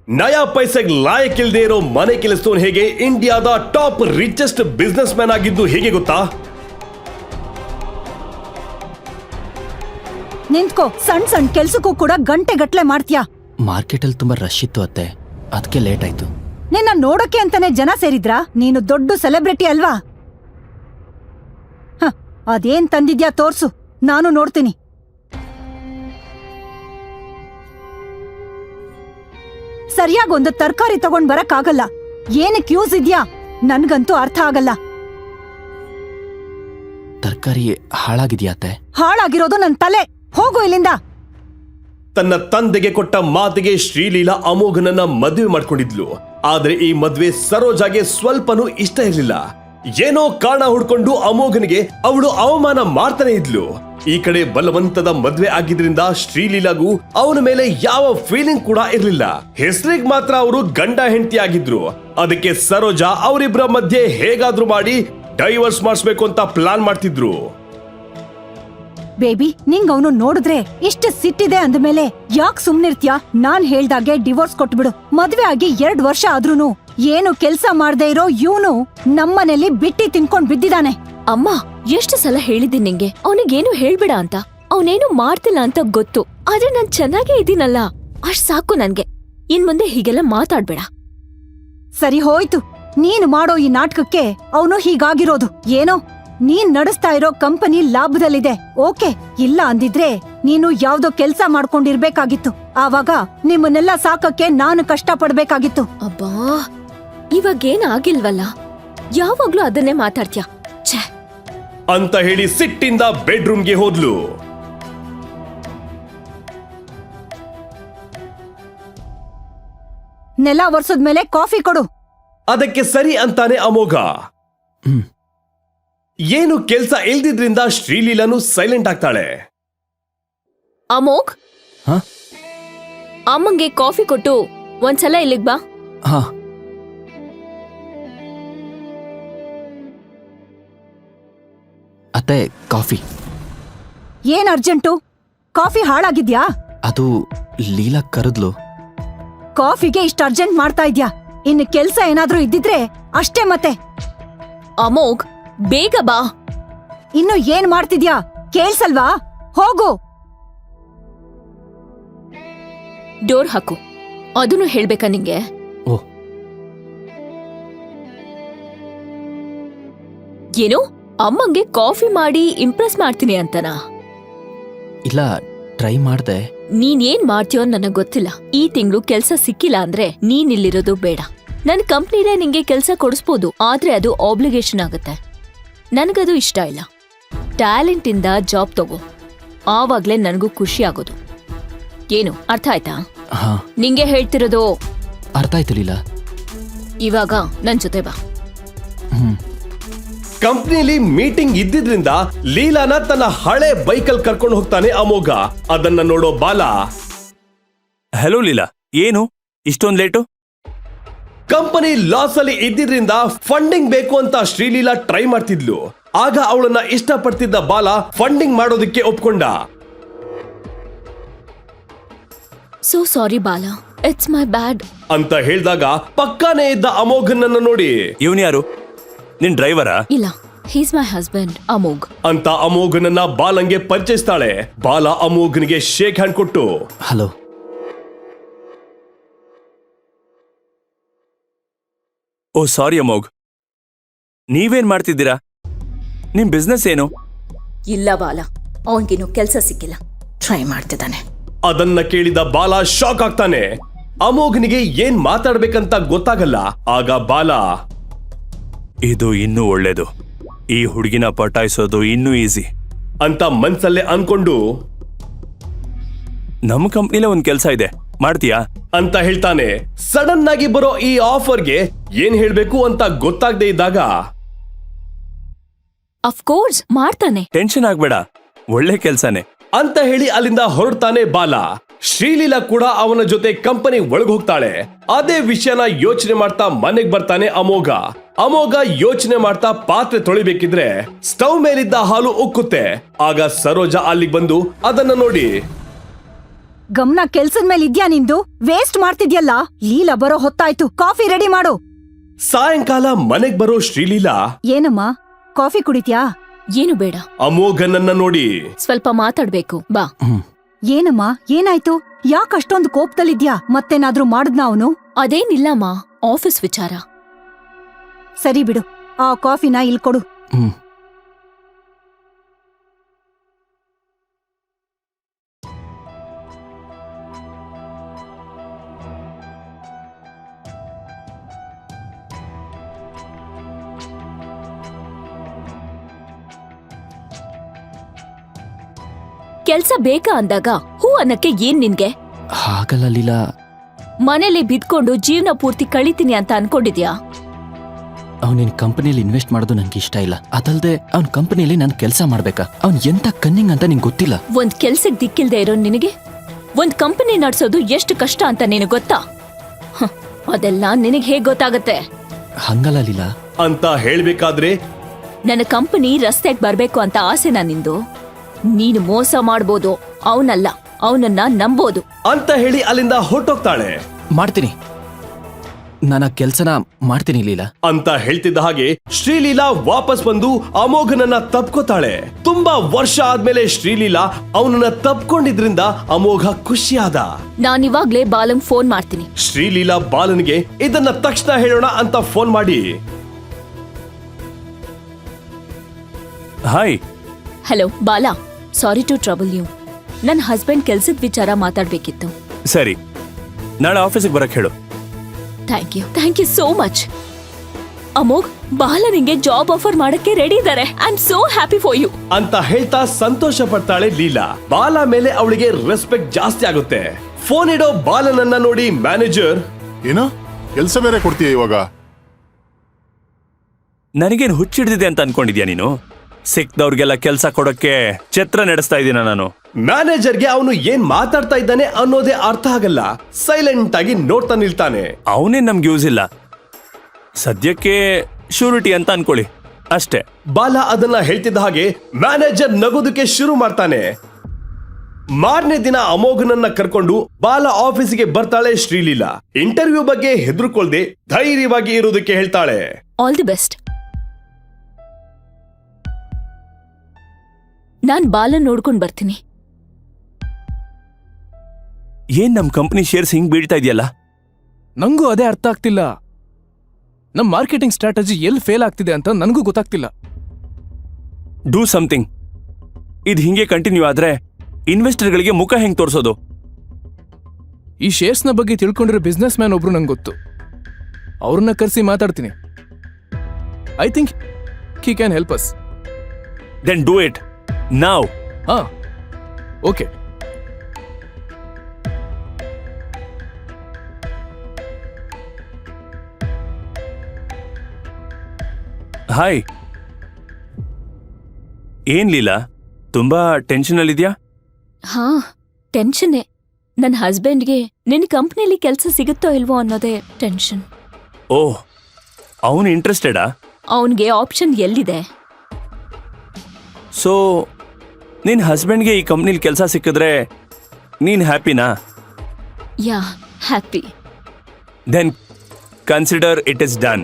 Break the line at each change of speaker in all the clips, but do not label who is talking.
ನಯಾ ಪೈಸೆಗೆ ಲಾಯಕ್ ಇಲ್ದೇ ಇರೋ ಮನೆ ಕೆಲಸದವನು ಹೇಗೆ ಇಂಡಿಯಾದ ಟಾಪ್ ರಿಚೆಸ್ಟ್ ಬಿಸ್ನೆಸ್ ಮ್ಯಾನ್ ಆಗಿದ್ದು ಹೇಗೆ ಗೊತ್ತಾ?
ನಿಂತ್ಕೋ, ಸಣ್ಣ ಕೆಲ್ಸಕ್ಕೂ ಕೂಡ ಗಂಟೆ ಗಟ್ಲೆ ಮಾಡ್ತೀಯಾ.
ಮಾರ್ಕೆಟ್ ಅಲ್ಲಿ ತುಂಬಾ ರಶ್ ಇತ್ತು ಅತ್ತೆ, ಅದಕ್ಕೆ ಲೇಟ್ ಆಯ್ತು.
ನಿನ್ನ ನೋಡಕ್ಕೆ ಅಂತಾನೆ ಜನ ಸೇರಿದ್ರಾ? ನೀನು ದೊಡ್ಡ ಸೆಲೆಬ್ರಿಟಿ ಅಲ್ವಾ? ಅದೇನ್ ತಂದಿದ್ಯಾ ತೋರ್ಸು, ನಾನು ನೋಡ್ತೀನಿ. ಸರಿಯಾಗಿ ಒಂದು ತರಕಾರಿ ತಗೊಂಡ್ ಬರಕ್ಕಾಗಲ್ಲ. ಏನಕ್ಕೆ ಯೂಸ್ ಇದ್ಯಾ? ನನ್ಗಂತೂ ಅರ್ಥ ಆಗಲ್ಲ.
ತರಕಾರಿ ಹಾಳಾಗಿದ್ಯಾ ಅತ್ತೆ?
ಹಾಳಾಗಿರೋದು ನನ್ ತಲೆ. ಹೋಗು ಇಲ್ಲಿಂದ.
ತನ್ನ ತಂದೆಗೆ ಕೊಟ್ಟ ಮಾತಿಗೆ ಶ್ರೀಲೀಲಾ ಅಮೋಘನನ್ನ ಮದುವೆ ಮಾಡ್ಕೊಂಡಿದ್ಲು. ಆದ್ರೆ ಈ ಮದ್ವೆ ಸರೋಜಾಗೆ ಸ್ವಲ್ಪನೂ ಇಷ್ಟ ಇರಲಿಲ್ಲ. ಏನೋ ಕಾರಣ ಹುಡ್ಕೊಂಡು ಅಮೋಘನಿಗೆ ಅವಳು ಅವಮಾನ ಮಾಡ್ತಾನೆ ಇದ್ಲು. ಈ ಕಡೆ ಬಲವಂತದ ಮದ್ವೆ ಆಗಿದ್ರಿಂದ ಶ್ರೀಲೀಲಾಗೂ ಅವನ ಮೇಲೆ ಯಾವ ಫೀಲಿಂಗ್ ಕೂಡ ಇರ್ಲಿಲ್ಲ. ಹೆಸರಿಗೆ ಮಾತ್ರ ಅವರು ಗಂಡ ಹೆಂಡತಿ ಆಗಿದ್ರು. ಅದಕ್ಕೆ ಸರೋಜಾ ಅವರಿಬ್ಬರ ಮಧ್ಯೆ ಹೇಗಾದ್ರೂ ಮಾಡಿ ಡೈವರ್ಸ್ ಮಾಡಿಸ್ಬೇಕು ಅಂತ ಪ್ಲಾನ್ ಮಾಡ್ತಿದ್ರು.
ಬೇಬಿ, ನಿಂಗ್ ಅವನು ನೋಡಿದ್ರೆ ಇಷ್ಟ ಸಿಟ್ಟಿದೆ ಅಂದ್ಮೇಲೆ ಯಾಕ್ ಸುಮ್ನಿರ್ತ್ಯಾ? ನಾನ್ ಹೇಳ್ದಾಗೆ ಡಿವೋರ್ಸ್ ಕೊಟ್ಬಿಡು. ಮದ್ವೆ ಆಗಿ 2 ವರ್ಷ ಆದ್ರೂನು ಏನು ಕೆಲ್ಸ ಮಾಡ್ದೆ ಇರೋ ಇವನು ನಮ್ಮನೇಲಿ ಬಿಟ್ಟಿ ತಿನ್ಕೊಂಡ್ ಬಿದ್ದಿದಾನೆ.
ಅಮ್ಮ, ಎಷ್ಟು ಸಲ ಹೇಳಿದ್ದೀನಿ ನಿಂಗೆ ಅವನಿಗೇನು ಹೇಳ್ಬೇಡ ಅಂತ. ಅವನೇನು ಮಾಡ್ತಿಲ್ಲ ಅಂತ ಗೊತ್ತು, ಆದ್ರೆ ನಾನ್ ಚೆನ್ನಾಗೇ ಇದ್ದೀನಲ್ಲ, ಅಷ್ಟ್ ಸಾಕು ನನ್ಗೆ. ಇನ್ ಮುಂದೆ ಹೀಗೆಲ್ಲ ಮಾತಾಡ್ಬೇಡ.
ಸರಿ ಹೋಯ್ತು, ನೀನು ಮಾಡೋ ಈ ನಾಟಕಕ್ಕೆ ಅವನು ಹೀಗಾಗಿರೋದು. ಏನೋ ನೀನ್ ನಡೆಸ್ತಾ ಇರೋ ಕಂಪನಿ ಲಾಭದಲ್ಲಿದೆ, ಓಕೆ. ಇಲ್ಲ ಅಂದಿದ್ರೆ ನೀನು ಯಾವ್ದೋ ಕೆಲ್ಸ ಮಾಡ್ಕೊಂಡಿರ್ಬೇಕಾಗಿತ್ತು. ಆವಾಗ ನಿಮ್ಮನ್ನೆಲ್ಲ ಸಾಕಕ್ಕೆ ನಾನು ಕಷ್ಟ ಪಡ್ಬೇಕಾಗಿತ್ತು.
ಅಬ್ಬಾ, ಇವಾಗೇನ್ ಆಗಿಲ್ವಲ್ಲ, ಯಾವಾಗ್ಲೂ ಅದನ್ನೇ ಮಾತಾಡ್ತೀಯ. ಛೇ
ಅಂತ ಹೇಳಿ ಸಿಟ್ಟಿಂದ ಬೆಡ್ರೂಮ್ಗೆ ಹೋದ್ಲು.
ನೆಲ ಒರ್ಸದ್ಮೇಲೆ ಕಾಫಿ ಕೊಡು.
ಅದಕ್ಕೆ ಸರಿ ಅಂತಾನೆ ಅಮೋಘ. ಏನು ಕೆಲ್ಸ ಇಲ್ದಿದ್ರಿಂದ ಶ್ರೀಲೀಲಾನು ಸೈಲೆಂಟ್ ಆಗ್ತಾಳೆ.
ಅಮೋಘ್, ಅಮ್ಮಂಗೆ ಕಾಫಿ ಕೊಟ್ಟು ಒಂದ್ಸಲ ಇಲ್ಲಿಗ್ ಬಾ.
ಹಾ. ಅತ್ತೆ, ಕಾಫಿ.
ಏನ್ ಅರ್ಜೆಂಟು? ಕಾಫಿ ಹಾಳಾಗಿದ್ಯಾ?
ಅದು ಲೀಲಾ ಕರೆದ್ಲು.
ಕಾಫಿಗೆ ಇಷ್ಟ ಅರ್ಜೆಂಟ್ ಮಾಡ್ತಾ ಇದ್ಯಾ? ಇನ್ನು ಕೆಲ್ಸ ಏನಾದ್ರೂ ಇದ್ದಿದ್ರೆ ಅಷ್ಟೇ. ಮತ್ತೆ
ಅಮೋಘ್, ಬೇಗ ಬಾ.
ಇನ್ನು ಏನ್ ಮಾಡ್ತಿದ್ಯಾ? ಕೇಳ್ಸಲ್ವಾ? ಹೋಗು.
ಡೋರ್ ಹಾಕು. ಅದನ್ನು ಹೇಳ್ಬೇಕಾ ನಿಂಗೆ?
ಓ,
ಏನು ಅಮ್ಮಂಗೆ ಕಾಫಿ ಮಾಡಿ ಇಂಪ್ರೆಸ್ ಮಾಡ್ತೀನಿ ಅಂತನಾ?
ಇಲ್ಲ, ಟ್ರೈ ಮಾಡ್ದೆ.
ನೀನ್ ಏನ್ ಮಾಡ್ತೀಯೋ ನನಗ್ ಗೊತ್ತಿಲ್ಲ. ಈ ತಿಂಗಳು ಕೆಲ್ಸ ಸಿಕ್ಕಿಲ್ಲ ಅಂದ್ರೆ ನೀನ್ ಇಲ್ಲಿರೋದು ಬೇಡ. ನನ್ ಕಂಪ್ನಿಲೇ ನಿಂಗೆ ಕೆಲ್ಸ ಕೊಡಿಸ್ಬೋದು, ಆದ್ರೆ ಅದು ಆಬ್ಲಿಗೇಷನ್ ಆಗುತ್ತೆ. ನನಗದು ಇಷ್ಟ ಇಲ್ಲ. ಟ್ಯಾಲೆಂಟ್ ಇಂದ ಜಾಬ್ ತಗೋ, ಆವಾಗ್ಲೇ ನನಗೂ ಖುಷಿ ಆಗೋದು. ಏನು ಅರ್ಥ ಆಯ್ತಾ?
ಹಾ,
ನಿಂಗೆ ಹೇಳ್ತಿರೋದು
ಅರ್ಥ ಆಯ್ತು ಲೀಲಾ.
ಇವಾಗ ನನ್ ಜೊತೆ ಬಾ.
ಕಂಪ್ನಿಲಿ ಮೀಟಿಂಗ್ ಇದ್ದಿದ್ರಿಂದ ಲೀಲಾನ ತನ್ನ ಹಳೆ ಬೈಕಲ್ ಕರ್ಕೊಂಡು ಹೋಗ್ತಾನೆ ಅಮೋಘ. ಅದನ್ನ ನೋಡೋ ಬಾಲ,
ಹಲೋ ಲೀಲಾ, ಏನು ಇಷ್ಟೊಂದ್ ಲೇಟು?
ಕಂಪನಿ ಲಾಸ್ ಅಲ್ಲಿ ಇದ್ದಿದ್ರಿಂದ ಫಂಡಿಂಗ್ ಬೇಕು ಅಂತ ಶ್ರೀಲೀಲಾ ಟ್ರೈ ಮಾಡ್ತಿದ್ಲು. ಆಗ ಅವಳನ್ನ ಇಷ್ಟಪಡ್ತಿದ್ದ ಬಾಲ ಫಂಡಿಂಗ್ ಮಾಡೋದಕ್ಕೆ ಒಪ್ಕೊಂಡ.
ಸೋ ಸಾರಿ ಬಾಲ, ಇಟ್ಸ್ ಮೈ ಬ್ಯಾಡ್
ಅಂತ ಹೇಳಿದಾಗ ಪಕ್ಕಾನೇ ಇದ್ದ ಅಮೋಘನನ್ನ ನೋಡಿ,
ಇವನ್ ಯಾರು? ನಿನ್ ಡ್ರೈವರಾ?
ಇಲ್ಲ, ಹೀಸ್ ಮೈ ಹಸ್ಬೆಂಡ್ ಅಮೋಘ್
ಅಂತ ಅಮೋಘನನ್ನ ಬಾಲಂಗೆ ಪರಿಚಯಿಸ್ತಾಳೆ. ಬಾಲ ಅಮೋಘನಿಗೆ ಶೇಕ್ ಹ್ಯಾಂಡ್ ಕೊಟ್ಟು,
ಹಲೋ.
ಓ ಸಾರಿ ಅಮೋಘ್, ನೀವೇನ್ ಮಾಡ್ತಿದ್ದೀರಾ? ನಿಮ್ ಬಿಸ್ನೆಸ್ ಏನು?
ಇಲ್ಲ ಬಾಲ, ಅವನ್ಗಿನ್ನು ಕೆಲ್ಸ ಸಿಕ್ಕಿಲ್ಲ, ಟ್ರೈ ಮಾಡ್ತಿದ್ದಾನೆ.
ಅದನ್ನ ಕೇಳಿದ ಬಾಲ ಶಾಕ್ ಆಗ್ತಾನೆ. ಅಮೋಘನಿಗೆ ಏನ್ ಮಾತಾಡ್ಬೇಕಂತ ಗೊತ್ತಾಗಲ್ಲ. ಆಗ ಬಾಲ,
ಇದು ಇನ್ನೂ ಒಳ್ಳೇದು, ಈ ಹುಡುಗಿನ ಪಟಾಯಿಸೋದು ಇನ್ನೂ ಈಸಿ
ಅಂತ ಮನ್ಸಲ್ಲೇ ಅನ್ಕೊಂಡು,
ನಮ್ ಕಂಪ್ನಿಲೇ ಒಂದ್ ಕೆಲ್ಸ ಇದೆ, ಮಾಡ್ತೀಯಾ
ಅಂತ ಹೇಳ್ತಾನೆ. ಸಡನ್ ಆಗಿ ಬರೋ ಈ ಆಫರ್ಗೆ ಏನ್ ಹೇಳ್ಬೇಕು ಅಂತ ಗೊತ್ತಾಗದೆ ಇದ್ದಾಗ,
ಅಫ್ಕೋರ್ಸ್ ಮಾಡ್ತಾನೆ,
ಟೆನ್ಷನ್ ಆಗ್ಬೇಡ, ಒಳ್ಳೆ ಕೆಲ್ಸನೇ
ಅಂತ ಹೇಳಿ ಅಲ್ಲಿಂದ ಹೊರಡ್ತಾನೆ ಬಾಲ. ಶ್ರೀಲೀಲಾ ಕೂಡ ಅವನ ಜೊತೆ ಕಂಪನಿ ಒಳಗ್ ಹೋಗ್ತಾಳೆ. ಅದೇ ವಿಷಯನ ಯೋಚನೆ ಮಾಡ್ತಾ ಮನೆಗ್ ಬರ್ತಾನೆ ಅಮೋಘ. ಅಮೋಘ ಯೋಚನೆ ಮಾಡ್ತಾ ಪಾತ್ರೆ ತೊಳಿಬೇಕಿದ್ರೆ ಸ್ಟವ್ ಮೇಲಿದ್ದ ಹಾಲು ಉಕ್ಕುತ್ತೆ. ಆಗ ಸರೋಜಾ ಅಲ್ಲಿಗೆ ಬಂದು ಅದನ್ನ ನೋಡಿ,
ಗಮನ ಕೆಲ್ಸದ ಮೇಲೆ ಇದ್ಯಾ ನಿಂದು? ವೇಸ್ಟ್ ಮಾಡ್ತಿದ್ಯಲ್ಲ. ಲೀಲಾ ಬರೋ ಹೊತ್ತಾಯ್ತು, ಕಾಫಿ ರೆಡಿ ಮಾಡು.
ಸಾಯಂಕಾಲ ಮನೆಗ್ ಬರೋ ಶ್ರೀಲೀಲಾ
ಏನಮ್ಮ, ಕಾಫಿ ಕುಡಿತ್ಯಾ?
ಏನು ಬೇಡ,
ಅಮೋಘನನ್ನ ನೋಡಿ
ಸ್ವಲ್ಪ ಮಾತಾಡ್ಬೇಕು, ಬಾ.
ಏನಮ್ಮ, ಏನಾಯ್ತು? ಯಾಕ್ ಅಷ್ಟೊಂದು ಕೋಪದಲ್ಲಿದ್ಯಾ? ಮತ್ತೇನಾದ್ರೂ ಮಾಡಿದ್ನಾ ಅವನು?
ಅದೇನಿಲ್ಲಮ್ಮ, ಆಫೀಸ್ ವಿಚಾರ.
ಸರಿ ಬಿಡು, ಆ ಕಾಫಿನ ಇಲ್ ಕೊಡು.
ಹ್ಮ್
ಕೆಲ್ಸ ಬೇಕಾ ಅಂದಾಗ ಹೂ ಅನ್ನಕ್ಕೆ ಏನ್ ನಿನ್ಗೆ?
ಹಾಗಲ್ಲ ಲೀಲಾ.
ಮನೇಲಿ ಬಿದ್ಕೊಂಡು ಜೀವನ ಪೂರ್ತಿ ಕಳಿತೀನಿ ಅಂತ ಅನ್ಕೊಂಡಿದ್ಯಾ?
ಅವನಿನ್ ಕಂಪನಿಯಲ್ಲಿ ಇನ್ವೆಸ್ಟ್ ಮಾಡೋದು ನನ್ಗೆ ಇಷ್ಟ ಇಲ್ಲ. ಅದಲ್ದೆ ಅವ್ನ ಕಂಪನಿಯಲ್ಲಿ ನಾನು ಕೆಲಸ ಮಾಡ್ಬೇಕಾ? ಅವ್ನ್ ಎಂತ ಕನ್ನಿಂಗ್ ಅಂತ ನಿಂಗೆ ಗೊತ್ತಿಲ್ಲ.
ಒಂದ್ ಕೆಲ್ಸಕ್ ದಿಕ್ಕಿಲ್ದೆ ಇರೋ ನಿನಗೆ ಒಂದ್ ಕಂಪನಿ ನಡ್ಸೋದು ಎಷ್ಟು ಕಷ್ಟ ಅಂತ ನಿನಗ್ ಗೊತ್ತಾ? ಅದೆಲ್ಲ ನಿನಗ್ ಹೇಗ್ ಗೊತ್ತಾಗತ್ತೆ?
ಹಂಗಲ್ಲ ಲೀಲಾ.
ಅಂತ ಹೇಳ್ಬೇಕಾದ್ರೆ
ನನ್ನ ಕಂಪನಿ ರಸ್ತೆಗ್ ಬರ್ಬೇಕು ಅಂತ ಆಸೆನಾ ನಿಂದು? ನೀನು ಮೋಸ ಮಾಡ್ಬೋದು, ಅವನಲ್ಲ, ಅವನನ್ನ ನಂಬೋದು
ಅಂತ ಹೇಳಿ ಅಲ್ಲಿಂದ ಹೊರಟೋಗ್ತಾಳೆ.
ಮಾಡ್ತೀನಿ, ನಾನು ಆ ಕೆಲ್ಸನ ಮಾಡ್ತೀನಿ ಲೀಲಾ
ಅಂತ ಹೇಳ್ತಿದ್ದ ಹಾಗೆ ಶ್ರೀಲೀಲಾ ವಾಪಸ್ ಬಂದು ಅಮೋಘನನ್ನ ತಪ್ಕೋತಾಳೆ. ತುಂಬಾ ವರ್ಷ ಆದ್ಮೇಲೆ ಶ್ರೀಲೀಲಾ ಅವನನ್ನ ತಪ್ಕೊಂಡಿದ್ರಿಂದ ಅಮೋಘ ಖುಷಿಯಾದ.
ನಾನಿವಾಗ್ಲೇ ಬಾಲಂಗ್ ಫೋನ್ ಮಾಡ್ತೀನಿ.
ಶ್ರೀಲೀಲಾ ಬಾಲನ್ಗೆ ಇದನ್ನ ತಕ್ಷಣ ಹೇಳೋಣ ಅಂತ ಫೋನ್ ಮಾಡಿ,
hi.
Hello Bala, sorry to trouble you. ನನ್ ಹಸ್ಬೆಂಡ್ ಕೆಲ್ಸದ ವಿಚಾರ ಮಾತಾಡ್ಬೇಕಿತ್ತು.
ಸರಿ, ನಾಳೆ ಆಫೀಸಿಗೆ ಬರಕ್ ಹೇಳು.
Thank you so much. Amogh, Bala ನಿಂಗೆ ಜಾಬ್ ಆಫರ್ ಮಾಡಕ್ಕೆ ರೆಡಿ ಇದ್ದಾರೆ. I am so happy for you
ಅಂತ ಹೇಳ್ತಾ ಸಂತೋಷ ಪಡ್ತಾಳೆ ಲೀಲಾ. ಬಾಲ ಮೇಲೆ ಅವಳಿಗೆ ರೆಸ್ಪೆಕ್ಟ್ ಜಾಸ್ತಿ ಆಗುತ್ತೆ. ಫೋನ್ ಇಡೋ ಬಾಲನನ್ನ ನೋಡಿ ಮ್ಯಾನೇಜರ್,
ಏನೋ ಕೆಲಸ ಬೇರೆ ಕೊಡ್ತೀಯ ಇವಾಗ?
ನನಗೇನು ಹುಚ್ಚಿಡ್ದಿದೆ ಅಂತ ಅನ್ಕೊಂಡಿದ್ಯಾ ನೀನು? ಸಿಕ್ದವ್ರಿಗೆಲ್ಲ ಕೆಲ್ಸ ಕೊಡಕ್ಕೆ ಛತ್ರ ನಡೆಸ್ತಾ ಇದ್ದೀನ ನಾನು.
ಮ್ಯಾನೇಜರ್ಗೆ ಅವನು ಏನ್ ಮಾತಾಡ್ತಾ ಇದ್ದಾನೆ ಅನ್ನೋದೇ ಅರ್ಥ ಆಗಲ್ಲ. ಸೈಲೆಂಟ್ ಆಗಿ ನೋಡ್ತಾ ನಿಲ್ತಾನೆ.
ಅವನೇ ನಮ್ಗೆ ಯೂಸ್ ಇಲ್ಲ, ಸದ್ಯಕ್ಕೆ ಶ್ಯೂರಿಟಿ ಅಂತ ಅನ್ಕೊಳ್ಳಿ ಅಷ್ಟೇ.
ಬಾಲ ಅದನ್ನ ಹೇಳ್ತಿದ್ದ ಹಾಗೆ ಮ್ಯಾನೇಜರ್ ನಗೋದಕ್ಕೆ ಶುರು ಮಾಡ್ತಾನೆ. ಮಾರನೇ ದಿನ ಅಮೋಘನನ್ನ ಕರ್ಕೊಂಡು ಬಾಲ ಆಫೀಸಿಗೆ ಬರ್ತಾಳೆ ಶ್ರೀಲೀಲಾ. ಇಂಟರ್ವ್ಯೂ ಬಗ್ಗೆ ಹೆದರ್ಕೊಳ್ದೆ ಧೈರ್ಯವಾಗಿ ಇರೋದಕ್ಕೆ ಹೇಳ್ತಾಳೆ.
All the best. ನಾನ್ ಬಾಲನ್ ನೋಡ್ಕೊಂಡ್ ಬರ್ತೀನಿ.
ಏನ್ ನಮ್ ಕಂಪನಿ ಶೇರ್ಸ್ ಹಿಂಗ್ ಬೀಳ್ತಾ ಇದೆಯಲ್ಲ?
ನಂಗೂ ಅದೇ ಅರ್ಥ ಆಗ್ತಿಲ್ಲ. ನಮ್ ಮಾರ್ಕೆಟಿಂಗ್ ಸ್ಟ್ರಾಟಜಿ ಎಲ್ಲಿ ಫೇಲ್ ಆಗ್ತಿದೆ ಅಂತ ನನಗೂ ಗೊತ್ತಾಗ್ತಿಲ್ಲ.
Do something. ಇದು ಹಿಂಗೆ ಕಂಟಿನ್ಯೂ ಆದ್ರೆ ಇನ್ವೆಸ್ಟರ್ಗಳಿಗೆ ಮುಖ ಹೆಂಗ್ ತೋರ್ಸೋದು?
ಈ ಶೇರ್ಸ್ನ ಬಗ್ಗೆ ತಿಳ್ಕೊಂಡಿರೋ ಬಿಸ್ನೆಸ್ ಮ್ಯಾನ್ ಒಬ್ರು ನಂಗೆ ಗೊತ್ತು. ಅವ್ರನ್ನ ಕರೆಸಿ ಮಾತಾಡ್ತೀನಿ. I think he can help us.
Then do it ನಾವ್.
ಹಾ, ಓಕೆ.
ಹಾಯ್. ಏನ್ ಲೀಲಾ, ತುಂಬಾ ಟೆನ್ಷನ್ ಅಲ್ಲಿದ್ಯಾ?
ಹಾ, ಟೆನ್ಷನ್ನೇ. ನನ್ ಹಸ್ಬೆಂಡ್ಗೆ ನಿನ್ ಕಂಪ್ನಿಲಿ ಕೆಲ್ಸ ಸಿಗುತ್ತೋ ಇಲ್ವೋ ಅನ್ನೋದೇ ಟೆನ್ಷನ್.
ಓಹ್, ಅವನು ಇಂಟ್ರೆಸ್ಟೆಡಾ?
ಅವನ್ಗೆ ಆಪ್ಷನ್ ಎಲ್ಲಿದೆ?
ಸೊ ನಿನ್ ಹಸ್ಬೆಂಡ್ಗೆ ಈ ಕಂಪ್ನಿಲಿ ಕೆಲಸ ಸಿಕ್ಕಿದ್ರೆ ನೀನ್ ಹ್ಯಾಪಿನಾ?
Yeah, happy.
Then consider it is done.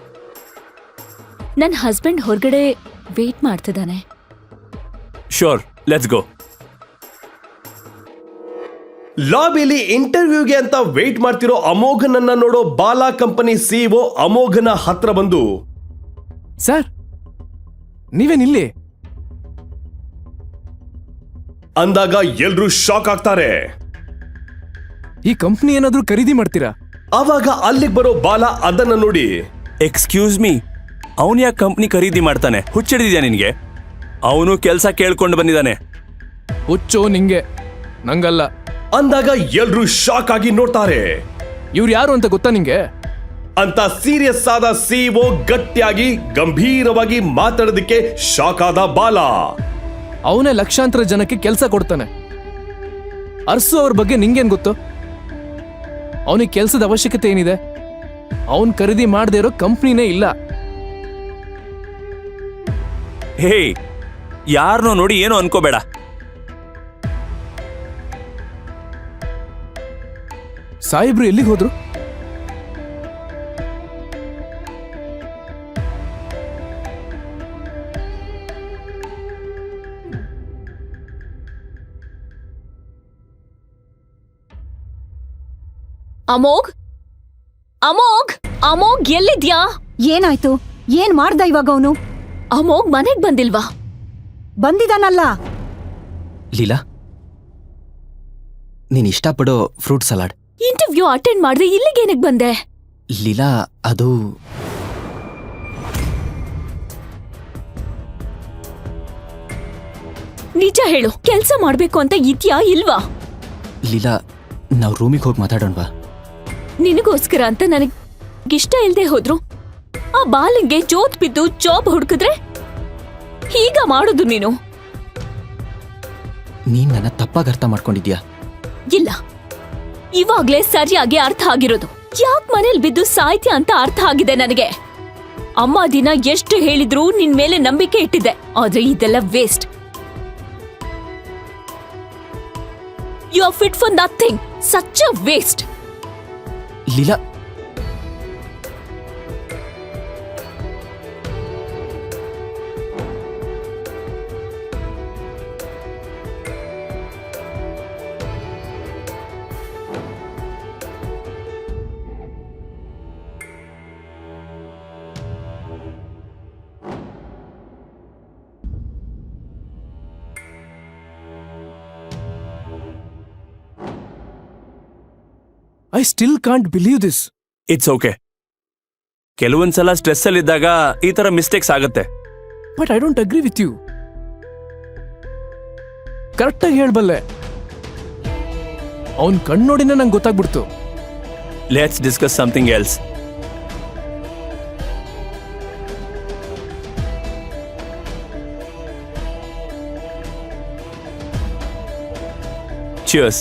ನನ್ ಹಸ್ಬೆಂಡ್ ಹೊರಗಡೆ ವೇಟ್ ಮಾಡ್ತಿದ್ದಾನೆ.
Sure, let's go.
ಲಾಬಿಲಿ ಇಂಟರ್ವ್ಯೂಗೆ ಅಂತ ವೇಟ್ ಮಾಡ್ತಿರೋ ಅಮೋಘನನ್ನ ನೋಡೋ ಬಾಲ ಕಂಪನಿ ಸಿಇಒ ಅಮೋಘನ ಹತ್ರ ಬಂದು,
ಸರ್, ನೀವೇನಿಲ್ಲಿ?
ಅಂದಾಗ ಎಲ್ರೂ ಶಾಕ್ ಆಗ್ತಾರೆ.
ಈ ಕಂಪ್ನಿ ಏನಾದ್ರೂ ಖರೀದಿ ಮಾಡ್ತೀರಾ?
ಆವಾಗ ಅಲ್ಲಿಗೆ ಬರೋ ಬಾಲ ಅದನ್ನ ನೋಡಿ,
ಎಕ್ಸ್ಕ್ಯೂಸ್ ಮೀ, ಅವನು ಯಾಕೆ ಕಂಪ್ನಿ ಖರೀದಿ ಮಾಡ್ತಾನೆ? ಹುಚ್ಚಿಡಿದ್ಯಾ ನಿನ್ಗೆ? ಅವನು ಕೆಲಸ ಕೇಳ್ಕೊಂಡು ಬಂದಿದ್ದಾನೆ.
ಹುಚ್ಚೋ ನಿಂಗೆ, ನಂಗಲ್ಲ.
ಅಂದಾಗ ಎಲ್ರೂ ಶಾಕ್ ಆಗಿ ನೋಡ್ತಾರೆ.
ಇವ್ರು ಯಾರು ಅಂತ ಗೊತ್ತಾ ನಿಂಗೆ?
ಅಂತ ಸೀರಿಯಸ್ ಆದ ಸಿಇಒ ಗಟ್ಟಿಯಾಗಿ ಗಂಭೀರವಾಗಿ ಮಾತಾಡೋದಕ್ಕೆ ಶಾಕ್ ಆದ ಬಾಲ.
ಅವನೇ ಲಕ್ಷಾಂತರ ಜನಕ್ಕೆ ಕೆಲಸ ಕೊಡ್ತಾನೆ. ಅರ್ಸು ಅವ್ರ ಬಗ್ಗೆ ನಿಂಗೇನ್ ಗೊತ್ತು? ಅವನಿಗೆ ಕೆಲಸದ ಅವಶ್ಯಕತೆ ಏನಿದೆ? ಅವನ್ ಖರೀದಿ ಮಾಡದೇ ಇರೋ ಕಂಪ್ನಿನೇ ಇಲ್ಲ.
ಹೇ, ಯಾರನ್ನೋ ನೋಡಿ ಏನೋ ಅನ್ಕೋಬೇಡ.
ಸಾಹೇಬ್ರು ಎಲ್ಲಿಗೆ ಹೋದ್ರು?
ಅಮೋಘ್ ಅಮೋಘ್ ಅಮೋಘ್ ಎಲ್ಲಿದ್ಯಾ?
ಏನಾಯ್ತು? ಏನ್ ಮಾಡ್ದ ಇವಾಗ ಅವನು?
ಅಮೋಘ್ ಮನೆಗ್ ಬಂದಿಲ್ವಾ?
ಬಂದಿದಾನಲ್ಲ.
ಲೀಲಾ, ನೀನ್ ಇಷ್ಟಪಡೋ ಫ್ರೂಟ್ ಸಲಾಡ್.
ಇಂಟರ್ವ್ಯೂ ಅಟೆಂಡ್ ಮಾಡ್ದೆ ಇಲ್ಲಿಗೇನಕ್ ಬಂದೆ?
ಲೀಲಾ, ಅದು
ನಿಜ ಹೇಳು, ಕೆಲ್ಸ ಮಾಡ್ಬೇಕು ಅಂತ ಇದ್ಯಾ ಇಲ್ವಾ?
ಲೀಲಾ, ನಾವು ರೂಮಿಗೆ ಹೋಗಿ ಮಾತಾಡೋಣವಾ?
ನಿನಗೋಸ್ಕರ ಅಂತ ನನಗ್ ಇಷ್ಟ ಇಲ್ದೆ ಹೋದ್ರು ಆ ಬಾಲಿಂಗೆ ಜೋತ್ ಬಿದ್ದು ಜಾಬ್ ಹುಡುಕಿದ್ರೆ ಹೀಗ ಮಾಡೋದು ನೀನು?
ನೀನ್ ನನ್ನ ತಪ್ಪಾಗಿ ಅರ್ಥ ಮಾಡ್ಕೊಂಡಿದ್ಯಾ?
ಇಲ್ಲ, ಇವಾಗ್ಲೇ ಸರಿಯಾಗಿ ಅರ್ಥ ಆಗಿರೋದು. ಯಾಕ್ ಮನೇಲಿ ಬಿದ್ದು ಸಾಯ್ತ್ಯ ಅಂತ ಅರ್ಥ ಆಗಿದೆ ನನಗೆ. ಅಮ್ಮ ದಿನ ಎಷ್ಟು ಹೇಳಿದ್ರು ನಿನ್ ಮೇಲೆ ನಂಬಿಕೆ ಇಟ್ಟಿದ್ದೆ, ಆದ್ರೆ ಇದೆಲ್ಲ waste. You are fit for nothing. Such a waste.
Leela,
I still can't believe this.
It's okay. ಕೆಲವೊಂದ್ಸಲ ಸ್ಟ್ರೆಸ್ ಅಲ್ಲಿದ್ದಾಗ ಈ ತರ ಮಿಸ್ಟೇಕ್ಸ್ ಆಗುತ್ತೆ.
But I don't agree with you. ಕರೆಕ್ಟಾಗಿ ಹೇಳ್ಬಲ್ಲೆ. ಅವನ್ ಕಣ್ಣೋಡಿನೇ ನಂಗೆ ಗೊತ್ತಾಗ್ಬಿಡ್ತು.
Let's discuss something else. Cheers.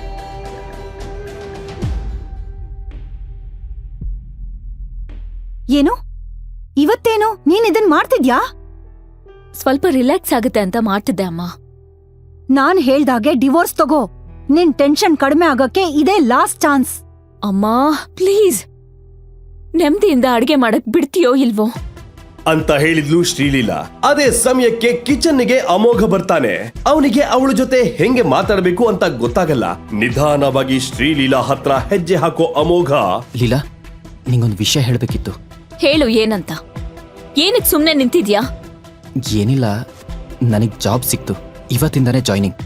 ಏನು ಇವತ್ತೇನು ನೀನ್ ಇದನ್ ಮಾಡ್ತಿದ್ಯಾ?
ಸ್ವಲ್ಪ ರಿಲ್ಯಾಕ್ಸ್ ಆಗುತ್ತೆ ಅಂತ ಮಾಡ್ತಿದ್ದೆ ಅಮ್ಮ.
ನಾನ್ ಹೇಳ್ದಾಗೆ ಡಿವೋರ್ಸ್ ತಗೋ. ನಿನ್ ಟೆನ್ಷನ್ ಕಡಿಮೆ ಆಗಕ್ಕೆ ಇದೇ ಲಾಸ್ಟ್ ಚಾನ್ಸ್.
ಅಮ್ಮ ಪ್ಲೀಸ್, ನೆಮ್ಮದಿಯಿಂದ ಅಡ್ಗೆ ಮಾಡಕ್ ಬಿಡ್ತೀಯೋ ಇಲ್ವೋ
ಅಂತ ಹೇಳಿದ್ಲು ಶ್ರೀಲೀಲಾ. ಅದೇ ಸಮಯಕ್ಕೆ ಕಿಚನ್ನಿಗೆ ಅಮೋಘ ಬರ್ತಾನೆ. ಅವನಿಗೆ ಅವಳ ಜೊತೆ ಹೆಂಗೆ ಮಾತಾಡಬೇಕು ಅಂತ ಗೊತ್ತಾಗಲ್ಲ. ನಿಧಾನವಾಗಿ ಶ್ರೀಲೀಲಾ ಹತ್ರ ಹೆಜ್ಜೆ ಹಾಕೋ ಅಮೋಘ,
ಲೀಲಾ, ನಿಂಗೊಂದು ವಿಷಯ ಹೇಳ್ಬೇಕಿತ್ತು.
ಹೇಳು, ಏನಂತ? ಏನಕ್ ಸುಮ್ನೆ ನಿಂತಿದ್ಯಾ?
ಏನಿಲ್ಲ, ನನಗ್ ಜಾಬ್ ಸಿಕ್ತು. ಇವತ್ತಿಂದಾನೇ ಜಾಯ್ನಿಂಗ್.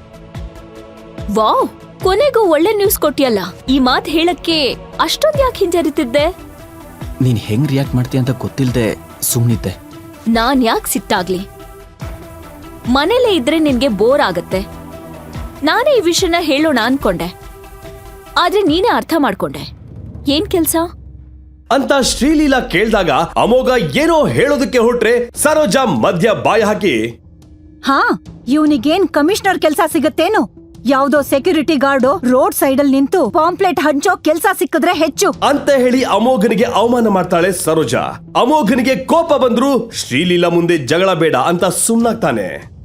ವಾವ್, ಕೊನೆಗೂ ಒಳ್ಳೆ ನ್ಯೂಸ್ ಕೊಟ್ಟಿಯಲ್ಲ. ಈ ಮಾತ್ ಹೇಳಕ್ಕೆ ಅಷ್ಟೊಂದ್ ಯಾಕೆ ಹಿಂಜರಿತಿದ್ದೆ?
ನೀನ್ ಹೆಂಗ್ ರಿಯಾಕ್ಟ್ ಮಾಡ್ತೀಯ ಅಂತ ಗೊತ್ತಿಲ್ದೆ ಸುಮ್ನಿದ್ದೆ.
ನಾನ್ ಯಾಕೆ ಸಿಟ್ಟಾಗ್ಲಿ? ಮನೇಲೇ ಇದ್ರೆ ನಿನ್ಗೆ ಬೋರ್ ಆಗತ್ತೆ. ನಾನೇ ಈ ವಿಷಯನ ಹೇಳೋಣ ಅನ್ಕೊಂಡೆ, ಆದ್ರೆ ನೀನೇ ಅರ್ಥ ಮಾಡ್ಕೊಂಡೆ. ಏನ್ ಕೆಲ್ಸ
ಅಂತ ಶ್ರೀಲೀಲಾ ಕೇಳ್ದಾಗ ಅಮೋಘ ಏನೋ ಹೇಳೋದಕ್ಕೆ ಹೊರಟ್ರೆ ಸರೋಜಾ ಮಧ್ಯ ಬಾಯ ಹಾಕಿ,
ಹಾ, ಇವನಿಗೇನ್ ಕಮಿಷನರ್ ಕೆಲ್ಸ ಸಿಗತ್ತೇನು? ಯಾವ್ದೋ ಸೆಕ್ಯೂರಿಟಿ ಗಾರ್ಡು ರೋಡ್ ಸೈಡ್ ಅಲ್ಲಿ ನಿಂತು ಪಾಂಪ್ಲೆಟ್ ಹಂಚೋ ಕೆಲ್ಸ ಸಿಕ್ಕಿದ್ರೆ ಹೆಚ್ಚು
ಅಂತ ಹೇಳಿ ಅಮೋಘನಿಗೆ ಅವಮಾನ ಮಾಡ್ತಾಳೆ ಸರೋಜಾ. ಅಮೋಘನಿಗೆ ಕೋಪ ಬಂದ್ರು ಶ್ರೀಲೀಲಾ ಮುಂದೆ ಜಗಳ ಬೇಡ ಅಂತ ಸುಮ್ನಾಗ್ತಾನೆ.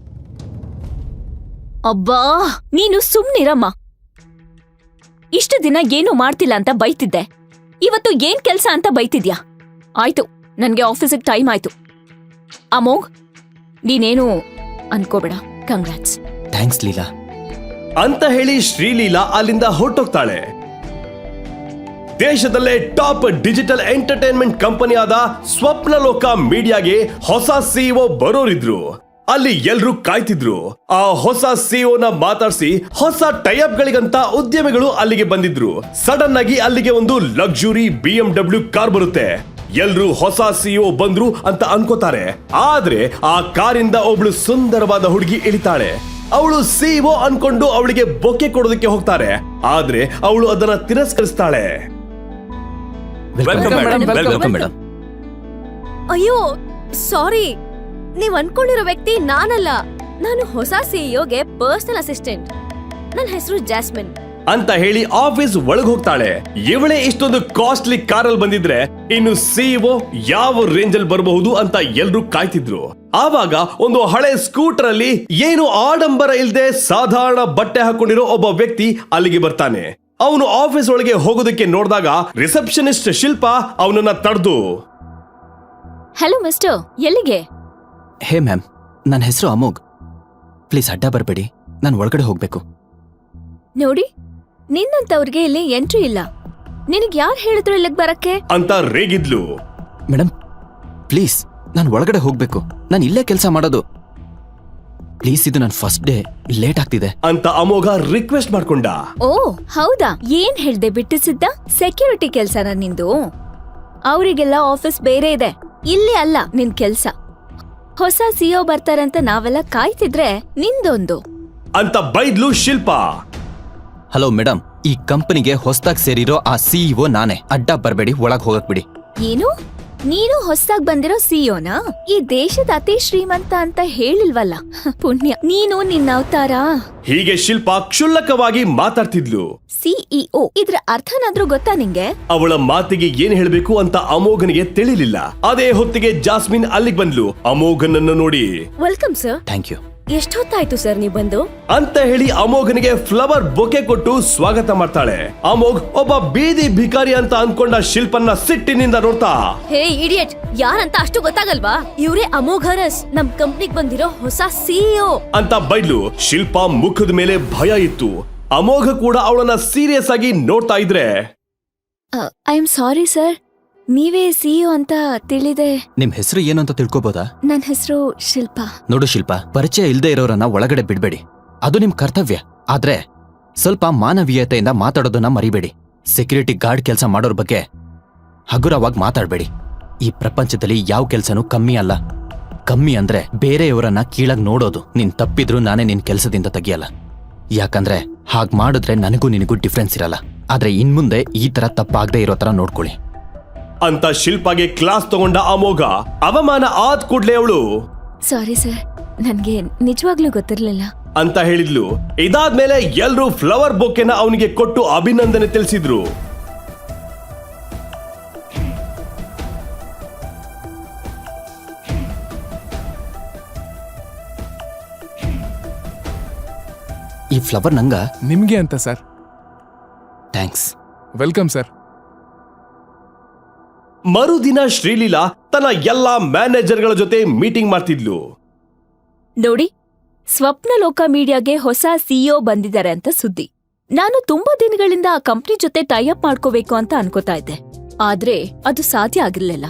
ಅಬ್ಬಾ, ನೀನು ಸುಮ್ನಿರಮ್ಮ. ಇಷ್ಟು ದಿನ ಏನು ಮಾಡ್ತಿಲ್ಲ ಅಂತ ಬೈತಿದ್ದೆ, ಇವತ್ತು ಏನ್ ಕೆಲ್ಸ ಅಂತ ಬೈತಿದ್ಯಾ? ಆಯ್ತು, ನನ್ಗೆ ಆಫೀಸಿಗೆ ಟೈಮ್ ಆಯ್ತು. ಅಮೋಘ್, ನೀನೇನು ಅನ್ಕೋಬೇಡ. ಕಂಗ್ರಾಟ್ಸ್.
ಥ್ಯಾಂಕ್ಸ್ ಲೀಲಾ
ಅಂತ ಹೇಳಿ ಶ್ರೀಲೀಲಾ ಅಲ್ಲಿಂದ ಹೊರಟೋಗ್ತಾಳೆ. ದೇಶದಲ್ಲೇ ಟಾಪ್ ಡಿಜಿಟಲ್ ಎಂಟರ್ಟೈನ್ಮೆಂಟ್ ಕಂಪನಿ ಆದ ಸ್ವಪ್ನಲೋಕ ಮೀಡಿಯಾಗೆ ಹೊಸ ಸಿಇಒ ಬರೋರಿದ್ರು. ಅಲ್ಲಿ ಎಲ್ರೂ ಕಾಯ್ತಿದ್ರು. ಆ ಹೊಸ ಸಿಇಒನ ಮಾತಾಡ್ಸಿ ಹೊಸ ಟೈಅಪ್ ಗಳಿಗಂತ ಉದ್ಯಮಿಗಳು ಅಲ್ಲಿಗೆ ಬಂದಿದ್ರು. ಸಡನ್ ಆಗಿ ಅಲ್ಲಿಗೆ ಒಂದು ಲಕ್ಸುರಿ BMW ಕಾರ್ ಬರುತ್ತೆ. ಎಲ್ರೂ ಹೊಸ ಸಿಇಒ ಬಂದ್ರು ಅಂತ ಅನ್ಕೋತಾರೆ. ಆದ್ರೆ ಆ ಕಾರಿಂದ ಒಬ್ಳು ಸುಂದರವಾದ ಹುಡುಗಿ ಇಳಿತಾಳೆ. ಅವಳು ಸಿಇಒ ಅನ್ಕೊಂಡು ಅವಳಿಗೆ ಬೊಕ್ಕೆ ಕೊಡೋದಕ್ಕೆ ಹೋಗ್ತಾರೆ. ಆದ್ರೆ ಅವಳು ಅದನ್ನ ತಿರಸ್ಕರಿಸ್ತಾಳೆ.
Welcome madam.
Welcome madam.
ಅಯ್ಯೋ ಸಾರಿ, ನೀವ್ ಅನ್ಕೊಂಡಿರೋ ವ್ಯಕ್ತಿ ನಾನಲ್ಲ. ನಾನು ಹೊಸ ಸಿಇಒಗೆ ಪರ್ಸನಲ್ ಅಸಿಸ್ಟೆಂಟ್. ನನ್ನ ಹೆಸರು ಜಾಸ್ಮಿನ್
ಅಂತ ಹೇಳಿ ಆಫೀಸ್ ಒಳಗ್ ಹೋಗ್ತಾಳೆ. ಇವಳೇ ಇಷ್ಟೊಂದು ಕಾಸ್ಟ್ಲಿ ಕಾರಲ್ಲಿ ಬಂದಿದ್ರೆ ಇನ್ನು ಸಿಇಒ ಯಾವ ರೇಂಜ್ ಅಲ್ಲಿ ಬರಬಹುದು ಅಂತ ಎಲ್ರೂ ಕಾಯ್ತಿದ್ರು. ಆವಾಗ ಒಂದು ಹಳೆ ಸ್ಕೂಟರ್ ಅಲ್ಲಿ ಏನು ಆಡಂಬರ ಇಲ್ದೆ ಸಾಧಾರಣ ಬಟ್ಟೆ ಹಾಕೊಂಡಿರೋ ಒಬ್ಬ ವ್ಯಕ್ತಿ ಅಲ್ಲಿಗೆ ಬರ್ತಾನೆ. ಅವನು ಆಫೀಸ್ ಒಳಗೆ ಹೋಗೋದಕ್ಕೆ ನೋಡಿದಾಗ ರಿಸೆಪ್ಷನಿಸ್ಟ್ ಶಿಲ್ಪ ಅವನನ್ನ ತಡೆದು,
ಹಲೋ ಮಿಸ್ಟರ್, ಎಲ್ಲಿಗೆ?
ಹೇ ಮ್ಯಾಮ್, ನನ್ನ ಹೆಸರು ಅಮೋಘ್. ಪ್ಲೀಸ್ ಅಡ್ಡ ಬರಬೇಡಿ, ನಾನು ಒಳಗಡೆ ಹೋಗ್ಬೇಕು.
ನೋಡಿ, ನಿನ್ನಂತವ್ರಿಗೆ ಇಲ್ಲಿ ಎಂಟ್ರಿ ಇಲ್ಲ. ನಿನಗ್ ಯಾರು ಹೇಳಿದ್ರು ಇಲ್ಲಿಗೆ ಬರಕ್ಕೆ?
ಅಂತ ರೇಗಿದ್ಲು.
ಮೇಡಮ್ ಪ್ಲೀಸ್, ನಾನು ಒಳಗಡೆ ಹೋಗ್ಬೇಕು. ನಾನು ಇಲ್ಲೇ ಕೆಲಸ ಮಾಡೋದು. ಪ್ಲೀಸ್, ಇದು ನನ್ನ ಫಸ್ಟ್ ಡೇ, ಲೇಟ್ ಆಗ್ತಿದೆ.
ಅಂತ ಅಮೋಘ ರಿಕ್ವೆಸ್ಟ್ ಮಾಡ್ಕೊಂಡ.
ಓ ಹೌದಾ, ಏನ್ ಹೇಳ್ದೆ ಬಿಟ್ಟಿಸಿದ್ದ? ಸೆಕ್ಯೂರಿಟಿ ಕೆಲ್ಸನ ನಿಂದು? ಅವರಿಗೆಲ್ಲ ಆಫೀಸ್ ಬೇರೆ ಇದೆ, ಇಲ್ಲಿ ಅಲ್ಲ ನಿನ್ ಕೆಲ್ಸ. ಹೊಸ ಸಿಒ ಬರ್ತಾರಂತ ನಾವೆಲ್ಲ ಕಾಯ್ತಿದ್ರೆ ನಿಂದೊಂದು
ಅಂತ ಬೈದ್ಲು ಶಿಲ್ಪ.
ಹಲೋ ಮೇಡಮ್, ಈ ಕಂಪನಿಗೆ ಹೊಸದಾಗಿ ಸೇರಿರೋ ಆ ಸಿಇಒ ನಾನೇ. ಅಡ್ಡ ಬರಬೇಡಿ, ಒಳಗೆ ಹೋಗಕ್ ಬಿಡಿ.
ಏನು? ನೀನು ಹೊಸದಾಗಿ ಬಂದಿರೋ ಸಿಇಒನಾ? ಈ ದೇಶದ ಅತಿ ಶ್ರೀಮಂತ ಅಂತ ಹೇಳಿಲ್ವಲ್ಲ? ಪುಣ್ಯ, ನೀನು ನಿನ್ನ ಅವತಾರ.
ಹೀಗೆ ಶಿಲ್ಪ ಕ್ಷುಲ್ಲಕವಾಗಿ ಮಾತಾಡ್ತಿದ್ಲು.
ಸಿಇಒ ಇದ್ರ ಅರ್ಥನಾದ್ರೂ ಗೊತ್ತಾ ನಿಂಗೆ?
ಅವಳ ಮಾತಿಗೆ ಏನ್ ಹೇಳ್ಬೇಕು ಅಂತ ಅಮೋಘನಿಗೆ ತಿಳಿಲಿಲ್ಲ. ಅದೇ ಹೊತ್ತಿಗೆ ಜಾಸ್ಮಿನ್ ಅಲ್ಲಿಗೆ ಬಂದ್ಲು. ಅಮೋಘನನ್ನು ನೋಡಿ,
ವೆಲ್ಕಮ್ ಸರ್.
Thank you.
ಎಷ್ಟೊತ್ತಾಯ್ತು ಸರ್ ನೀವು ಬಂದು?
ಅಂತ ಹೇಳಿ ಅಮೋಘನಿಗೆ ಫ್ಲವರ್ ಬೊಕೆ ಕೊಟ್ಟು ಸ್ವಾಗತ ಮಾಡ್ತಾಳೆ. ಅಮೋಘ್ ಒಬ್ಬ ಬೀದಿ ಭಿಕಾರಿ ಅಂತ ಅನ್ಕೊಂಡ ಶಿಲ್ಪನ್ನ ಸಿಟ್ಟಿನಿಂದ ನೋಡ್ತಾ,
ಹೇ ಇಡಿಯಟ್, ಯಾರಂತ ಅಷ್ಟು ಗೊತ್ತಾಗಲ್ವಾ? ಇವ್ರೇ ಅಮೋಘರಸ್, ನಮ್ ಕಂಪ್ನಿಗ್ ಬಂದಿರೋ ಹೊಸ ಸಿಇಒ
ಅಂತ ಬೈದ್ಲು. ಶಿಲ್ಪ ಮುಖದ ಮೇಲೆ ಭಯ ಇತ್ತು. ಅಮೋಘ ಕೂಡ ಅವಳನ್ನ ಸೀರಿಯಸ್ ಆಗಿ ನೋಡ್ತಾ ಇದ್ರೆ,
ಐ ಆಮ್ ಸಾರಿ ಸರ್, ನೀವೇ ಸಿಇಒ ಅಂತ ತಿಳಿದೆ.
ನಿಮ್ ಹೆಸರು ಏನು ಅಂತ ತಿಳ್ಕೊಬೋದಾ?
ನನ್ನ ಹೆಸರು ಶಿಲ್ಪಾ.
ನೋಡು ಶಿಲ್ಪ, ಪರಿಚಯ ಇಲ್ದೇ ಇರೋರನ್ನ ಒಳಗಡೆ ಬಿಡ್ಬೇಡಿ. ಅದು ನಿಮ್ ಕರ್ತವ್ಯ. ಆದ್ರೆ ಸ್ವಲ್ಪ ಮಾನವೀಯತೆಯಿಂದ ಮಾತಾಡೋದನ್ನ ಮರಿಬೇಡಿ. ಸೆಕ್ಯೂರಿಟಿ ಗಾರ್ಡ್ ಕೆಲಸ ಮಾಡೋರ್ ಬಗ್ಗೆ ಹಗುರವಾಗಿ ಮಾತಾಡ್ಬೇಡಿ. ಈ ಪ್ರಪಂಚದಲ್ಲಿ ಯಾವ ಕೆಲ್ಸನೂ ಕಮ್ಮಿ ಅಲ್ಲ. ಕಮ್ಮಿ ಅಂದ್ರೆ ಬೇರೆಯವರನ್ನ ಕೀಳಾಗ್ ನೋಡೋದು. ನೀನ್ ತಪ್ಪಿದ್ರು ನಾನೇ ನಿನ್ ಕೆಲ್ಸದಿಂದ ತೆಗಿಯಲ್ಲ. ಯಾಕಂದ್ರೆ ಹಾಗ್ ಮಾಡಿದ್ರೆ ನನಗೂ ನಿನಗೂ ಡಿಫ್ರೆನ್ಸ್ ಇರಲ್ಲ. ಆದ್ರೆ ಇನ್ಮುಂದೆ ಈ ತರ ತಪ್ಪಾಗದೆ ಇರೋ ತರ ನೋಡ್ಕೊಳ್ಳಿ
ಅಂತ ಶಿಲ್ಪಾಗೆ ಕ್ಲಾಸ್ ತಗೊಂಡ ಅಮೋಘ. ಅವಮಾನ ಆದ್ ಕೂಡ್ಲೆ ಅವಳು
ಸಾರಿ ಸರ್, ನನ್ಗೆ ನಿಜವಾಗ್ಲೂ ಗೊತ್ತಿರ್ಲಿಲ್ಲ
ಅಂತ ಹೇಳಿದ್ಲು. ಇದಾದ್ಮೇಲೆ ಎಲ್ರೂ ಫ್ಲವರ್ ಬೊಕೆನ ಅವನಿಗೆ ಕೊಟ್ಟು ಅಭಿನಂದನೆ ತಿಳಿಸಿದ್ರು.
ಈ ಫ್ಲವರ್ ನಂಗ?
ನಿಮ್ಗೆ ಅಂತ ಸರ್.
ಥ್ಯಾಂಕ್ಸ್.
Welcome sir.
ಮರುದಿನ ಶ್ರೀಲೀಲಾ ತನ್ನ ಎಲ್ಲಾ ಮ್ಯಾನೇಜರ್ಗಳ ಜೊತೆ ಮೀಟಿಂಗ್ ಮಾಡ್ತಿದ್ಲು.
ನೋಡಿ, ಸ್ವಪ್ನಲೋಕ ಮೀಡಿಯಾಗೆ ಹೊಸ ಸಿಇಒ ಬಂದಿದ್ದಾರೆ ಅಂತ ಸುದ್ದಿ. ನಾನು ತುಂಬಾ ದಿನಗಳಿಂದ ಆ ಕಂಪ್ನಿ ಜೊತೆ ಟೈಅಪ್ ಮಾಡ್ಕೋಬೇಕು ಅಂತ ಅನ್ಕೋತಾ ಇದ್ದೆ, ಆದ್ರೆ ಅದು ಸಾಧ್ಯ ಆಗಿರ್ಲಿಲ್ಲ.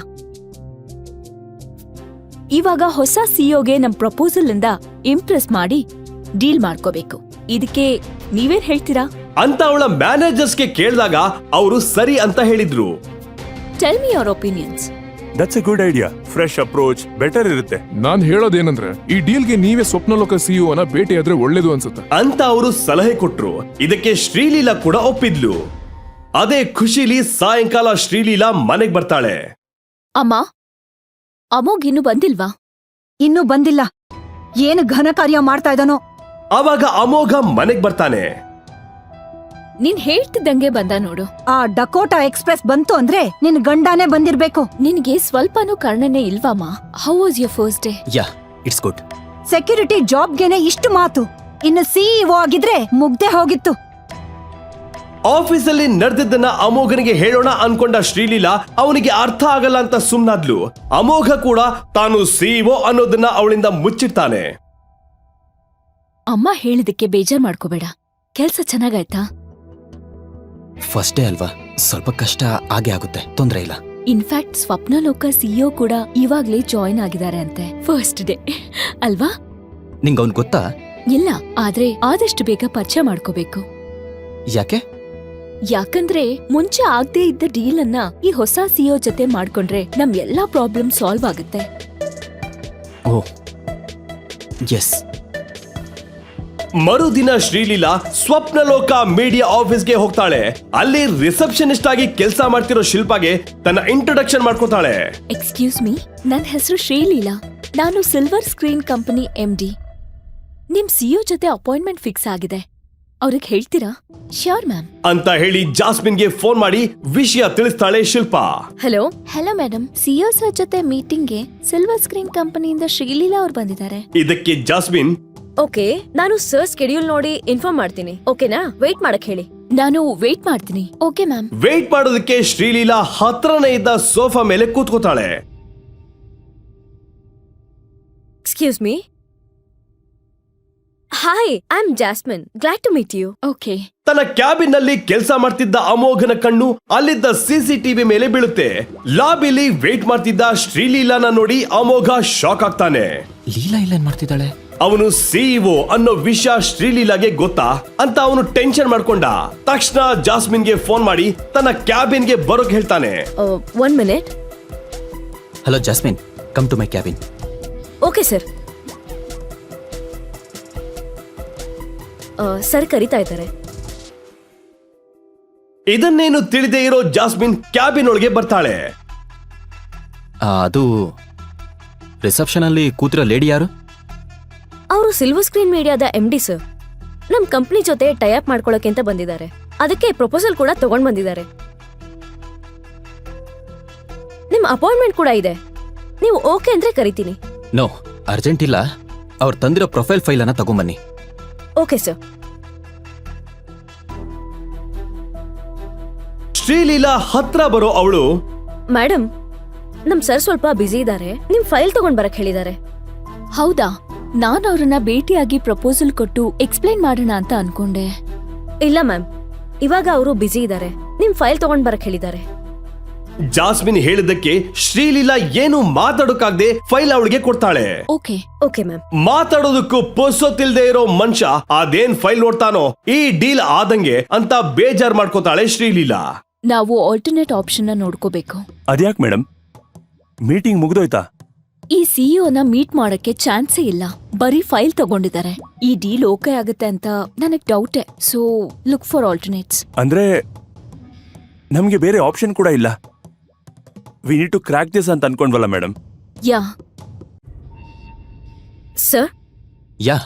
ಇವಾಗ ಹೊಸ ಸಿಇಒಗೆ ನಮ್ ಪ್ರಪೋಸಲ್ ಇಂದ ಇಂಪ್ರೆಸ್ ಮಾಡಿ ಡೀಲ್ ಮಾಡ್ಕೋಬೇಕು. ಇದಕ್ಕೆ ನೀವೇನ್ ಹೇಳ್ತೀರಾ
ಅಂತ ಅವಳ ಮ್ಯಾನೇಜರ್ಸ್ಗೆ ಕೇಳಿದಾಗ ಅವರು ಸರಿ ಅಂತ ಹೇಳಿದ್ರು.
Tell me your opinions.
That's a good idea. Fresh approach better ಇರುತ್ತೆ.
ನಾನ್ ಹೇಳೋದೇನಂದ್ರೆ, ಈ ಡೀಲ್ಗೆ ನೀವೇ ಸ್ವಪ್ನಲೋಕ ಸಿಇಒನ ಭೇಟಿಯಾದ್ರೆ ಒಳ್ಳೇದು ಅನ್ಸುತ್ತೆ
ಅಂತ ಅವರು ಸಲಹೆ ಕೊಟ್ರು. ಇದಕ್ಕೆ ಶ್ರೀಲೀಲಾ ಕೂಡ ಒಪ್ಪಿದ್ಲು. ಅದೇ ಖುಷಿಲಿ ಸಾಯಂಕಾಲ ಶ್ರೀಲೀಲಾ ಮನೆಗ್ ಬರ್ತಾಳೆ.
ಅಮ್ಮ, ಅಮೋಘ್ ಇನ್ನು ಬಂದಿಲ್ವಾ?
ಇನ್ನೂ ಬಂದಿಲ್ಲ. ಏನು ಘನ ಕಾರ್ಯ ಮಾಡ್ತಾ ಇದ್ದಾನೋ.
ಆವಾಗ ಅಮೋಘ ಮನೆಗ್ ಬರ್ತಾನೆ.
ನೀನ್ ಹೇಳ್ತಿದ್ದಂಗೆ ಬಂದ ನೋಡು.
ಆ ಡಕೋಟಾ ಎಕ್ಸ್ಪ್ರೆಸ್ ಬಂತು ಅಂದ್ರೆ ನಿನ್ ಗಂಡನೇ ಬಂದಿರ್ಬೇಕು.
ನಿನ್ಗೆ ಸ್ವಲ್ಪನೂ ಕರ್ಣನೆ ಇಲ್ವಮ್ಮ? How was your first day?
Yeah, it's good.
Security ಜಾಬ್ಗೆನೆ ಇಷ್ಟು ಮಾತು, ಇನ್ನು ಸಿಇಒ ಆಗಿದ್ರೆ ಮುಗ್ದೆ ಹೋಗಿತ್ತು.
ಆಫೀಸಲ್ಲಿ ನಡೆದಿದ್ದನ್ನ ಅಮೋಘನಿಗೆ ಹೇಳೋಣ ಅನ್ಕೊಂಡ ಶ್ರೀಲೀಲಾ ಅವನಿಗೆ ಅರ್ಥ ಆಗಲ್ಲ ಅಂತ ಸುಮ್ನಾದ್ಲು. ಅಮೋಘ ಕೂಡ ತಾನು ಸಿಇಒ ಅನ್ನೋದನ್ನ ಅವಳಿಂದ ಮುಚ್ಚಿಡ್ತಾನೆ.
ಅಮ್ಮ ಹೇಳಿದಕ್ಕೆ ಬೇಜಾರ್ ಮಾಡ್ಕೋಬೇಡ. ಕೆಲ್ಸ ಚೆನ್ನಾಗಾಯ್ತಾ?
ಫಸ್ಟ್ ಡೇ ಅಲ್ವಾ, ಸ್ವಲ್ಪ ಕಷ್ಟ ಆಗೇ ಆಗುತ್ತೆ, ತೊಂದ್ರೆ ಇಲ್ಲ.
ಇನ್ಫ್ಯಾಕ್ಟ್ ಸ್ವಪ್ನಲೋಕ ಸಿಇಒ ಕೂಡ ಇವಾಗ್ಲೇ ಜಾಯಿನ್ ಆಗಿದ್ದಾರೆ ಅಂತೆ. ಫಸ್ಟ್ ಡೇ ಅಲ್ವಾ?
ನಿಂಗ್ ಅವ್ನ್ ಗೊತ್ತಾ?
ಇಲ್ಲ, ಆದ್ರೆ ಆದಷ್ಟು ಬೇಗ ಪರಿಚಯ ಮಾಡ್ಕೋಬೇಕು.
ಯಾಕೆ?
ಯಾಕಂದ್ರೆ ಮುಂಚೆ ಆಗದೆ ಇದ್ದ ಡೀಲ್ ಅನ್ನ ಈ ಹೊಸ ಸಿಇಒ ಜೊತೆ ಮಾಡ್ಕೊಂಡ್ರೆ ನಮ್ ಎಲ್ಲಾ ಪ್ರಾಬ್ಲಮ್ ಸಾಲ್ವ್ ಆಗುತ್ತೆ.
Oh yes.
ಮರುದಿನ ಶ್ರೀಲೀಲಾ ಸ್ವಪ್ನಲೋಕ ಮೀಡಿಯಾ ಆಫೀಸ್ಗೆ ಹೋಗ್ತಾಳೆ. ಅಲ್ಲಿ ರಿಸೆಪ್ಷನಿಸ್ಟ್ ಆಗಿ ಕೆಲಸ ಮಾಡ್ತಿರೋ ಶಿಲ್ಪಾಗೆ ತನ್ನ ಇಂಟ್ರೊಡಕ್ಷನ್ ಮಾಡ್ಕೊತಾಳೆ.
ಎಕ್ಸ್ಕ್ಯೂಸ್ ಮೀ, ನನ್ ಹೆಸರು ಶ್ರೀಲೀಲಾ. ನಾನು ಸಿಲ್ವರ್ ಸ್ಕ್ರೀನ್ ಕಂಪನಿ MD. ನಿಮ್ ಸಿಇಒ ಜೊತೆ ಅಪಾಯಿಂಟ್ಮೆಂಟ್ ಫಿಕ್ಸ್ ಆಗಿದೆ. ಅವ್ರಿಗೆ ಹೇಳ್ತೀರಾ? ಶ್ಯೂರ್ ಮ್ಯಾಮ್
ಅಂತ ಹೇಳಿ ಜಾಸ್ಮಿನ್ಗೆ ಫೋನ್ ಮಾಡಿ ವಿಷಯ ತಿಳಿಸ್ತಾಳೆ Shilpa.
Hello
hello madam, CEO sir ಜೊತೆ ಮೀಟಿಂಗ್ಗೆ ಸಿಲ್ವರ್ ಸ್ಕ್ರೀನ್ ಕಂಪನಿಯಿಂದ ಶ್ರೀಲೀಲಾ ಅವ್ರು ಬಂದಿದ್ದಾರೆ.
ಇದಕ್ಕೆ ಜಾಸ್ಮಿನ್,
ಓಕೆ, ನಾನು ಸರ್ ಸ್ಕೆಡ್ಯೂಲ್ ನೋಡಿ ಇನ್ಫಾರ್ಮ್ ಮಾಡ್ತೀನಿ. ಓಕೆನಾ? ವೇಟ್ ಮಾಡಕ್ ಹೇಳಿ.
ನಾನು ವೇಟ್ ಮಾಡ್ತೀನಿ. Okay ma'am.
ವೇಟ್ ಮಾಡೋದಕ್ಕೆ ಶ್ರೀಲೀಲಾ ಹತ್ರನೇ ಇದ್ದ ಸೋಫಾ ಮೇಲೆ ಕೂತ್ಕೋತಾಳೆ.
Excuse me. Hi, I am Jasmine. Glad to meet you.
Okay.
ತನ್ನ ಕ್ಯಾಬಿನ್ ನಲ್ಲಿ ಕೆಲಸ ಮಾಡ್ತಿದ್ದ ಅಮೋಘನ ಕಣ್ಣು ಅಲ್ಲಿದ್ದ ಸಿಸಿಟಿವಿ ಮೇಲೆ ಬೀಳುತ್ತೆ. ಲಾಬಿಲಿ ವೇಟ್ ಮಾಡ್ತಿದ್ದ ಶ್ರೀಲೀಲಾನ ನೋಡಿ ಅಮೋಘ ಶಾಕ್ ಆಗ್ತಾನೆ.
ಲೀಲಾ ಇಲ್ಲೇನ್ ಮಾಡ್ತಿದ್ದಾಳೆ?
ಅವನು ಸಿಇಒ ಅನ್ನೋ ವಿಷಯ ಶ್ರೀಲೀಲಾಗೆ ಗೊತ್ತಾ ಅಂತ ಅವನು ಟೆನ್ಷನ್ ಮಾಡ್ಕೊಂಡ. ತಕ್ಷಣ ಜಾಸ್ಮಿನ್ಗೆ ಫೋನ್ ಮಾಡಿ ತನ್ನ ಕ್ಯಾಬಿನ್ಗೆ ಬರೋಕ್ ಹೇಳ್ತಾನೆ.
1 minute.
Hello Jasmine, come to my cabin.
Okay sir. Sir ಕರೀತಾ ಇದ್ದಾರೆ.
ಇದನ್ನೇನು ತಿಳಿದೇ ಇರೋ ಜಾಸ್ಮಿನ್ ಕ್ಯಾಬಿನ್ ಒಳಗೆ ಬರ್ತಾಳೆ.
ಅದು ರಿಸೆಪ್ಷನ್ ಅಲ್ಲಿ ಕೂತಿರೋ ಲೇಡಿ ಯಾರು?
ಅವರು ಸಿಲ್ವರ್ ಸ್ಕ್ರೀನ್ ಮೀಡಿಯಾದ MD ಸರ್. ನಮ್ ಕಂಪ್ನಿ ಜೊತೆ ಟೈಅಪ್ ಮಾಡ್ಕೊಳ್ಳೋಕೆ ಅಂತ ಬಂದಿದ್ದಾರೆ. ಅದಕ್ಕೆ ಪ್ರಪೋಸಲ್ ಕೂಡ ತಗೊಂಡ್ ಬಂದಿದ್ದಾರೆ. ನಿಮ್ ಅಪಾಯಿಂಟ್ಮೆಂಟ್ ಕೂಡ ಇದೆ. ನೀವು ಓಕೆ ಅಂದ್ರೆ ಕರಿತೀನಿ.
ನೋ, ಅರ್ಜೆಂಟ್ ಇಲ್ಲ. ಅವ್ರು ತಂದಿರೋ ಪ್ರೊಫೈಲ್ ಫೈಲ್ ಅನ್ನ ತಗೊಂಬನ್ನಿ.
Okay sir.
ಶ್ರೀಲೀಲಾ ಹತ್ರ ಬರೋ ಅವಳು,
ಮೇಡಮ್, ನಮ್ ಸರ್ ಸ್ವಲ್ಪ ಬ್ಯುಸಿ ಇದ್ದಾರೆ. ನಿಮ್ ಫೈಲ್ ತಗೊಂಡ್ ಬರಕ್ ಹೇಳಿದ್ದಾರೆ.
ಹೌದಾ? ನಾನು ಅವ್ರನ್ನ ಭೇಟಿಯಾಗಿ ಪ್ರಪೋಸಲ್ ಕೊಟ್ಟು ಎಕ್ಸ್ಪ್ಲೈನ್ ಮಾಡೋಣ ಅಂತ ಅನ್ಕೊಂಡೆ.
ಇಲ್ಲ ಮ್ಯಾಮ್, ಇವಾಗ ಅವರು ಬ್ಯುಸಿ ಇದ್ದಾರೆ. ನಿಮ್ ಫೈಲ್ ತಗೊಂಡ್ ಬರಕ್ ಹೇಳಿದ್ದಾರೆ.
ಜಾಸ್ಮಿನ್ ಹೇಳಿದ್ದಕ್ಕೆ ಶ್ರೀಲೀಲಾ ಏನು ಮಾತಾಡೋಕಾಗ್ದೆ ಫೈಲ್ ಅವಳಿಗೆ ಕೊಡ್ತಾಳೆ.
ಓಕೆ.
Okay ma'am.
ಮಾತಾಡೋದಕ್ಕೂ ಪೊಸೊತ್ತಿಲ್ದೇ ಇರೋ ಮನುಷ್ಯ ಅದೇನ್ ಫೈಲ್ ನೋಡ್ತಾನೋ ಈ ಡೀಲ್ ಆದಂಗೆ ಅಂತ ಬೇಜಾರ್ ಮಾಡ್ಕೋತಾಳೆ ಶ್ರೀಲೀಲಾ.
ನಾವು ಆಲ್ಟರ್ನೇಟ್ ಆಪ್ಷನ್ ನ ನೋಡ್ಕೋಬೇಕು.
ಅದ್ಯಾಕ್ ಮೇಡಮ್, ಮೀಟಿಂಗ್ ಮುಗ್ದೋಯ್ತಾ?
ಈ ಸಿಇಒನ ಮೀಟ್ ಮಾಡಕ್ಕೆ ಚಾನ್ಸೇ ಇಲ್ಲ. ಬರೀ ಫೈಲ್ ತಗೊಂಡಿದ್ದಾರೆ. ಈ ಡೀಲ್ ಓಕೆ ಆಗುತ್ತೆ ಅಂತ ನನಗ್ ಡೌಟೆ. So look for alternates.
ಅಂದ್ರೆ ನಮ್ಗೆ ಬೇರೆ ಆಪ್ಷನ್ ಕೂಡ ಇಲ್ಲ. We need to crack this ಅಂತ ಅನ್ಕೊಂಡ್ವಲ್ಲ madam.
Yeah.
Sir,
yeah,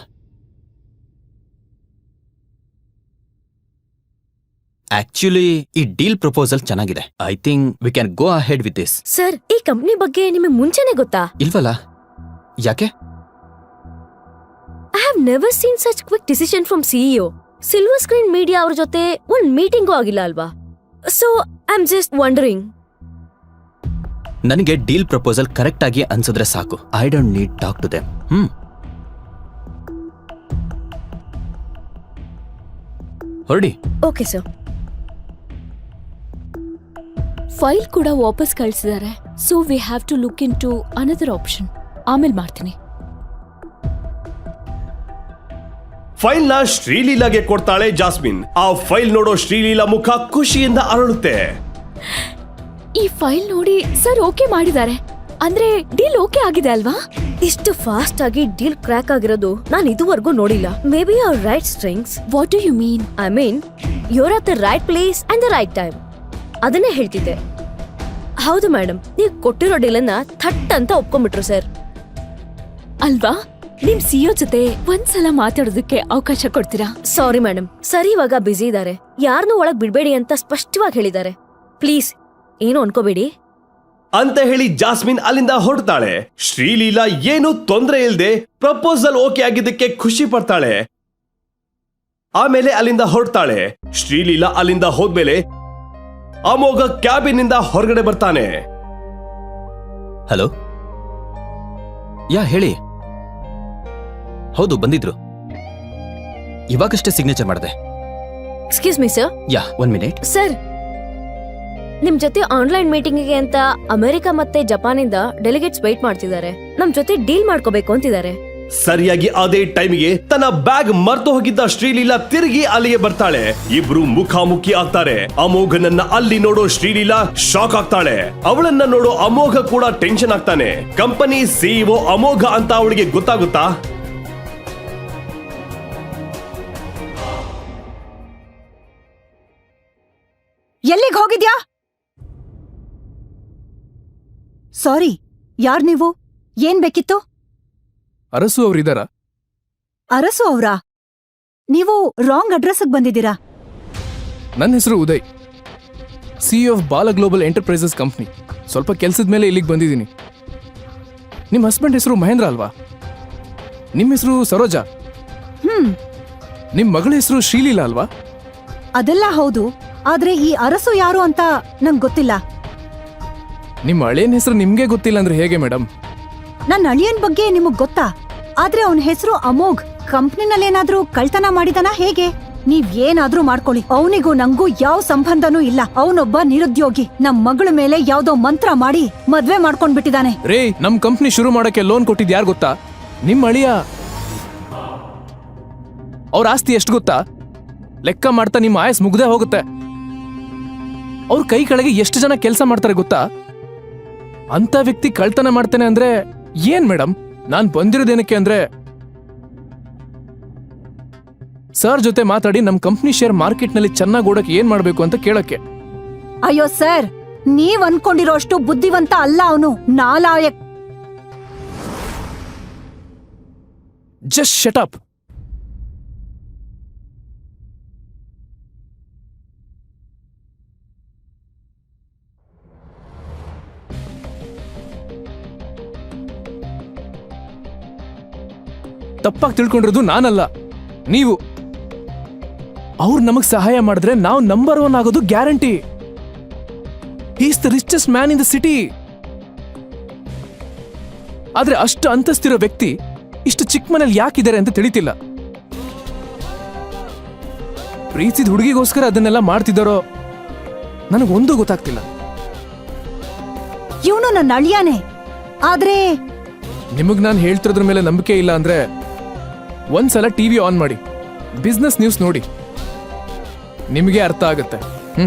actually ಈ ಡೀಲ್ ಪ್ರಪೋಸಲ್ ಚೆನ್ನಾಗಿದೆ. I think we can go ahead with this.
Sir, ಈ ಕಂಪ್ನಿ ಬಗ್ಗೆ ನಿಮಗೆ ಮುಂಚೆನೆ ಗೊತ್ತಾ?
ಇಲ್ವಲ್ಲ, ಯಾಕೆ?
I have never seen such quick decision from CEO. Silver screen media ಅವ್ರ ಜೊತೆ ಒಂದ್ ಮೀಟಿಂಗೂ ಆಗಿಲ್ಲ ಅಲ್ವಾ? So I am just wandering.
ನನಗೆ ಡೀಲ್ ಪ್ರಪೋಸಲ್ ಕರೆಕ್ಟ್ ಆಗಿ ಅನ್ಸಿದ್ರೆ ಸಾಕು. I don't need talk to them. ಹೊರಡಿ.
Okay sir.
ಫೈಲ್ ಕೂಡ ವಾಪಸ್ ಕಳಿಸಿದ್ದಾರೆ. So we have to look into another option. ಆಮೇಲೆ ಮಾಡ್ತೀನಿ.
ಫೈಲ್ ನ ಶ್ರೀಲೀಲಾಗೆ ಕೊಡ್ತಾಳೆ ಜಾಸ್ಮಿನ್. ಆ ಫೈಲ್ ನೋಡೋ ಶ್ರೀಲೀಲಾ ಮುಖ ಖುಷಿಯಿಂದ ಅರಳುತ್ತೆ.
ಈ ಫೈಲ್ ನೋಡಿ ಸರ್ ಓಕೆ ಮಾಡಿದ್ದಾರೆ. ಅಂದ್ರೆ ಡೀಲ್ ಓಕೆ ಆಗಿದೆ ಅಲ್ವಾ?
ಇಷ್ಟು ಫಾಸ್ಟ್ ಆಗಿ ಡೀಲ್ ಕ್ರ್ಯಾಕ್ ಆಗಿರೋದು ನಾನು ಇದುವರೆಗೂ ನೋಡಿಲ್ಲ. Maybe our right strings.
What do you mean?
I mean your at the right place and the right time. ಅದನ್ನೇ ಹೇಳ್ತಿದ್ದೆ. ಹೌದು ಮೇಡಮ್, ನೀವು ಕೊಟ್ಟಿರೋ ಡೀಲನ್ನ ಥಟ್ ಅಂತ ಒಪ್ಕೊಂಡ್ಬಿಟ್ರು ಸರ್.
ಅಲ್ವಾ? ನಿಮ್ ಸಿಇಒ ಜೊತೆ ಒಂದ್ಸಲ ಮಾತಾಡೋದಕ್ಕೆ ಅವಕಾಶ ಕೊಡ್ತೀರಾ?
ಸಾರಿ ಮೇಡಮ್, ಸರಿ ಇವಾಗ ಬ್ಯುಸಿ ಇದ್ದಾರೆ. ಯಾರನ್ನೂ ಒಳಗ್ ಬಿಡ್ಬೇಡಿ ಅಂತ ಸ್ಪಷ್ಟವಾಗಿ ಹೇಳಿದ್ದಾರೆ. ಪ್ಲೀಸ್ ಏನು ಅನ್ಕೋಬೇಡಿ
ಅಂತ ಹೇಳಿ ಜಾಸ್ಮಿನ್ ಅಲ್ಲಿಂದ ಹೊರಡ್ತಾಳೆ. ಶ್ರೀಲೀಲಾ ಏನು ತೊಂದರೆ ಇಲ್ಲದೆ ಪ್ರಪೋಸಲ್ ಓಕೆ ಆಗಿದ್ದಕ್ಕೆ ಖುಷಿ ಪಡ್ತಾಳೆ. ಆಮೇಲೆ ಅಲ್ಲಿಂದ ಹೊರಡ್ತಾಳೆ. ಶ್ರೀಲೀಲಾ ಅಲ್ಲಿಂದ ಹೋದ್ಮೇಲೆ ಅಮೋಘ ಕ್ಯಾಬಿನ್ ನಿಂದ ಹೊರಗಡೆ ಬರ್ತಾನೆ.
ಹಲೋ, ಯಾ ಹೇಳಿ. ಹೌದು, ಬಂದಿದ್ರು. ಇವಾಗಷ್ಟೇ ಸಿಗ್ನೇಚರ್ ಮಾಡಿದೆ.
Excuse me sir.
Yeah, 1 minute.
Sir, ನಿಮ್ ಜೊತೆ ಆನ್ಲೈನ್ ಮೀಟಿಂಗ್ಗೆ ಅಂತ ಅಮೆರಿಕ ಮತ್ತೆ ಜಪಾನಿಂದ ಡೆಲಿಗೇಟ್ಸ್ ವೇಟ್ ಮಾಡ್ತಿದ್ದಾರೆ. ನಮ್ ಜೊತೆ ಡೀಲ್ ಮಾಡ್ಕೋಬೇಕು ಅಂತಿದ್ದಾರೆ.
ಸರಿಯಾಗಿ ಅದೇ ಟೈಮಿಗೆ ತನ್ನ ಬ್ಯಾಗ್ ಮರ್ತು ಹೋಗಿದ್ದ ಶ್ರೀಲೀಲಾ ತಿರುಗಿ ಅಲ್ಲಿಗೆ ಬರ್ತಾಳೆ. ಇಬ್ರು ಮುಖಾಮುಖಿ ಆಗ್ತಾರೆ. ಅಮೋಘನನ್ನ ಅಲ್ಲಿ ನೋಡೋ ಶ್ರೀಲೀಲಾ ಶಾಕ್ ಆಗ್ತಾಳೆ. ಅವಳನ್ನ ನೋಡೋ ಅಮೋಘ ಕೂಡ ಟೆನ್ಷನ್ ಆಗ್ತಾನೆ. ಕಂಪನಿ ಸಿಇಒ ಅಮೋಘ ಅಂತ ಅವಳಿಗೆ ಗೊತ್ತಾಗುತ್ತಾ?
ಎಲ್ಲಿಗೆ ಹೋಗಿದ್ಯಾ? ಸಾರಿ, ಯಾರ್ ನೀವು? ಏನ್ ಬೇಕಿತ್ತು?
ಅರಸು ಅವ್ರಿದಾರ?
ಅರಸು ಅವ್ರಾ? ನೀವು ರಾಂಗ್ ಅಡ್ರೆಸ್ಗೆ ಬಂದಿದ್ದೀರಾ.
ನನ್ನ ಹೆಸರು Uday, CEO of Bala global enterprises company. ಸ್ವಲ್ಪ ಕೆಲ್ಸದ ಮೇಲೆ ಇಲ್ಲಿಗೆ ಬಂದಿದ್ದೀನಿ. ನಿಮ್ಮ ಹಸ್ಬೆಂಡ್ ಹೆಸರು ಮಹೇಂದ್ರ ಅಲ್ವಾ? ನಿಮ್ಮ ಹೆಸರು ಸರೋಜಾ? ನಿಮ್ಮ ಮಗಳ ಹೆಸರು ಶ್ರೀಲೀಲಾ ಅಲ್ವಾ?
ಅದೆಲ್ಲ ಹೌದು, ಆದ್ರೆ ಈ ಅರಸು ಯಾರು ಅಂತ ನಂಗ್ ಗೊತ್ತಿಲ್ಲ.
ನಿಮ್ಮ ಹಳೇನ್ ಹೆಸರು ನಿಮ್ಗೆ ಗೊತ್ತಿಲ್ಲ ಅಂದ್ರೆ ಹೇಗೆ ಮೇಡಮ್?
ನನ್ನ ಅಳಿಯನ್ ಬಗ್ಗೆ ನಿಮಗ್ ಗೊತ್ತಾ? ಆದ್ರೆ ಅವನ ಹೆಸರು ಅಮೋಘ್. ಕಂಪ್ನಿನಲ್ಲೇನಾದ್ರೂ ಕಳ್ತನ ಮಾಡಿದನ ಹೇಗೆ? ನೀವ್ ಏನಾದ್ರೂ ಮಾಡ್ಕೊಳ್ಳಿ, ಅವನಿಗೂ ನಂಗೂ ಯಾವ ಸಂಬಂಧನೂ ಇಲ್ಲ. ಅವನೊಬ್ಬ ನಿರುದ್ಯೋಗಿ. ನಮ್ ಮಗಳ ಮೇಲೆ ಯಾವ್ದೋ ಮಂತ್ರ ಮಾಡಿ ಮದ್ವೆ ಮಾಡ್ಕೊಂಡ್ಬಿಟ್ಟಿದಾನೆ.
ರೇ, ನಮ್ ಕಂಪ್ನಿ ಶುರು ಮಾಡಕ್ಕೆ ಲೋನ್ ಕೊಟ್ಟಿದ್ ಯಾರು ಗೊತ್ತಾ? ನಿಮ್ ಅಳಿಯ. ಅವ್ರ ಆಸ್ತಿ ಎಷ್ಟು ಗೊತ್ತಾ? ಲೆಕ್ಕ ಮಾಡ್ತಾ ನಿಮ್ಮ ಆಯಸ್ ಮುಗ್ದೇ ಹೋಗುತ್ತೆ. ಅವ್ರ ಕೈ ಕೆಳಗೆ ಎಷ್ಟು ಜನ ಕೆಲಸ ಮಾಡ್ತಾರೆ ಗೊತ್ತಾ? ಅಂತ ವ್ಯಕ್ತಿ ಕಳ್ತನ ಮಾಡ್ತಾನೆ ಅಂದ್ರೆ ಏನ್ ಮೇಡಮ್? ನಾನ್ ಬಂದಿರೋದೇನಕ್ಕೆ ಅಂದ್ರೆ ಸರ್ ಜೊತೆ ಮಾತಾಡಿ ನಮ್ ಕಂಪ್ನಿ ಶೇರ್ ಮಾರ್ಕೆಟ್ ನಲ್ಲಿ ಚೆನ್ನಾಗಿ ಓಡಕ್ಕೆ ಏನ್ ಮಾಡ್ಬೇಕು ಅಂತ ಕೇಳಕ್ಕೆ.
ಅಯ್ಯೋ ಸರ್, ನೀವ್ ಅನ್ಕೊಂಡಿರೋಷ್ಟು ಬುದ್ಧಿವಂತ ಅಲ್ಲ ಅವನು, ನಾಲಾಯಕ್.
Just shut up. ತಪ್ಪಾಗಿ ತಿಳ್ಕೊಂಡಿರೋದು ನಾನಲ್ಲ, ನೀವು. ಅವ್ರು ನಮಗ್ ಸಹಾಯ ಮಾಡಿದ್ರೆ ನಾವು ನಂಬರ್ 1 ಆಗೋದು guarantee. Is the richest man in the city. ಆದ್ರೆ ಅಷ್ಟು ಅಂತಸ್ತಿರೋ ವ್ಯಕ್ತಿ ಇಷ್ಟು ಚಿಕ್ಕ ಮನೇಲಿ ಯಾಕಿದ್ದಾರೆ ಅಂತ ತಿಳಿತಿಲ್ಲ. ಪ್ರೀತಿದ ಹುಡುಗಿಗೋಸ್ಕರ ಅದನ್ನೆಲ್ಲ ಮಾಡ್ತಿದ್ದಾರೋ ನನಗೊಂದು ಗೊತ್ತಾಗ್ತಿಲ್ಲ.
ಇವನು ನನ್ನ ಅಳಿಯಾನೆ. ಆದ್ರೆ
ನಿಮಗ್ ನಾನು ಹೇಳ್ತಿರೋದ್ರ ಮೇಲೆ ನಂಬಿಕೆ ಇಲ್ಲ ಅಂದ್ರೆ ಒಂದ್ಸಲ ಟಿವಿ ಆನ್ ಮಾಡಿ, ಬಿಸ್ನೆಸ್ ನ್ಯೂಸ್ ನೋಡಿ, ನಿಮಗೆ ಅರ್ಥ ಆಗುತ್ತೆ.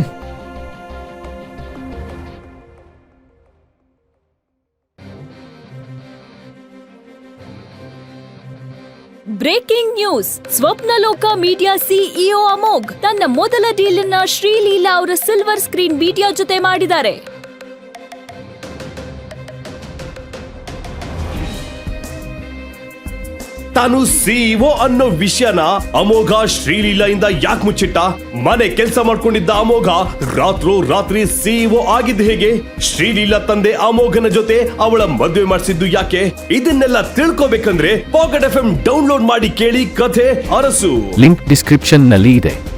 Breaking news. Swapnaloka media CEO Amogh ತನ್ನ ಮೊದಲ ಡೀಲ್ ಅನ್ನ ಶ್ರೀಲೀಲಾ ಅವರ ಸಿಲ್ವರ್ ಸ್ಕ್ರೀನ್ ಮೀಡಿಯಾ ಜೊತೆ ಮಾಡಿದ್ದಾರೆ.
ತಾನು ಸಿಇಒ ಅನ್ನೋ ವಿಷಯನ ಅಮೋಘ ಶ್ರೀಲೀಲಾಯಿಂದ ಯಾಕೆ ಮುಚ್ಚಿಟ್ಟ? ಮನೆ ಕೆಲಸ ಮಾಡ್ಕೊಂಡಿದ್ದ ಅಮೋಘ ರಾತ್ರಿ ಸಿಇಒ ಆಗಿದ್ದು ಹೇಗೆ? ಶ್ರೀಲೀಲಾ ತಂದೆ ಅಮೋಘನ ಜೊತೆ ಅವಳ ಮದುವೆ ಮಾಡಿಸಿದ್ದು ಯಾಕೆ? ಇದನ್ನೆಲ್ಲ ತಿಳ್ಕೋಬೇಕಂದ್ರೆ ಪಾಕೆಟ್ FM ಡೌನ್ಲೋಡ್ ಮಾಡಿ ಕೇಳಿ ಕಥೆ ಅರಸು.
ಲಿಂಕ್ ಡಿಸ್ಕ್ರಿಪ್ಷನ್ ನಲ್ಲಿ ಇದೆ.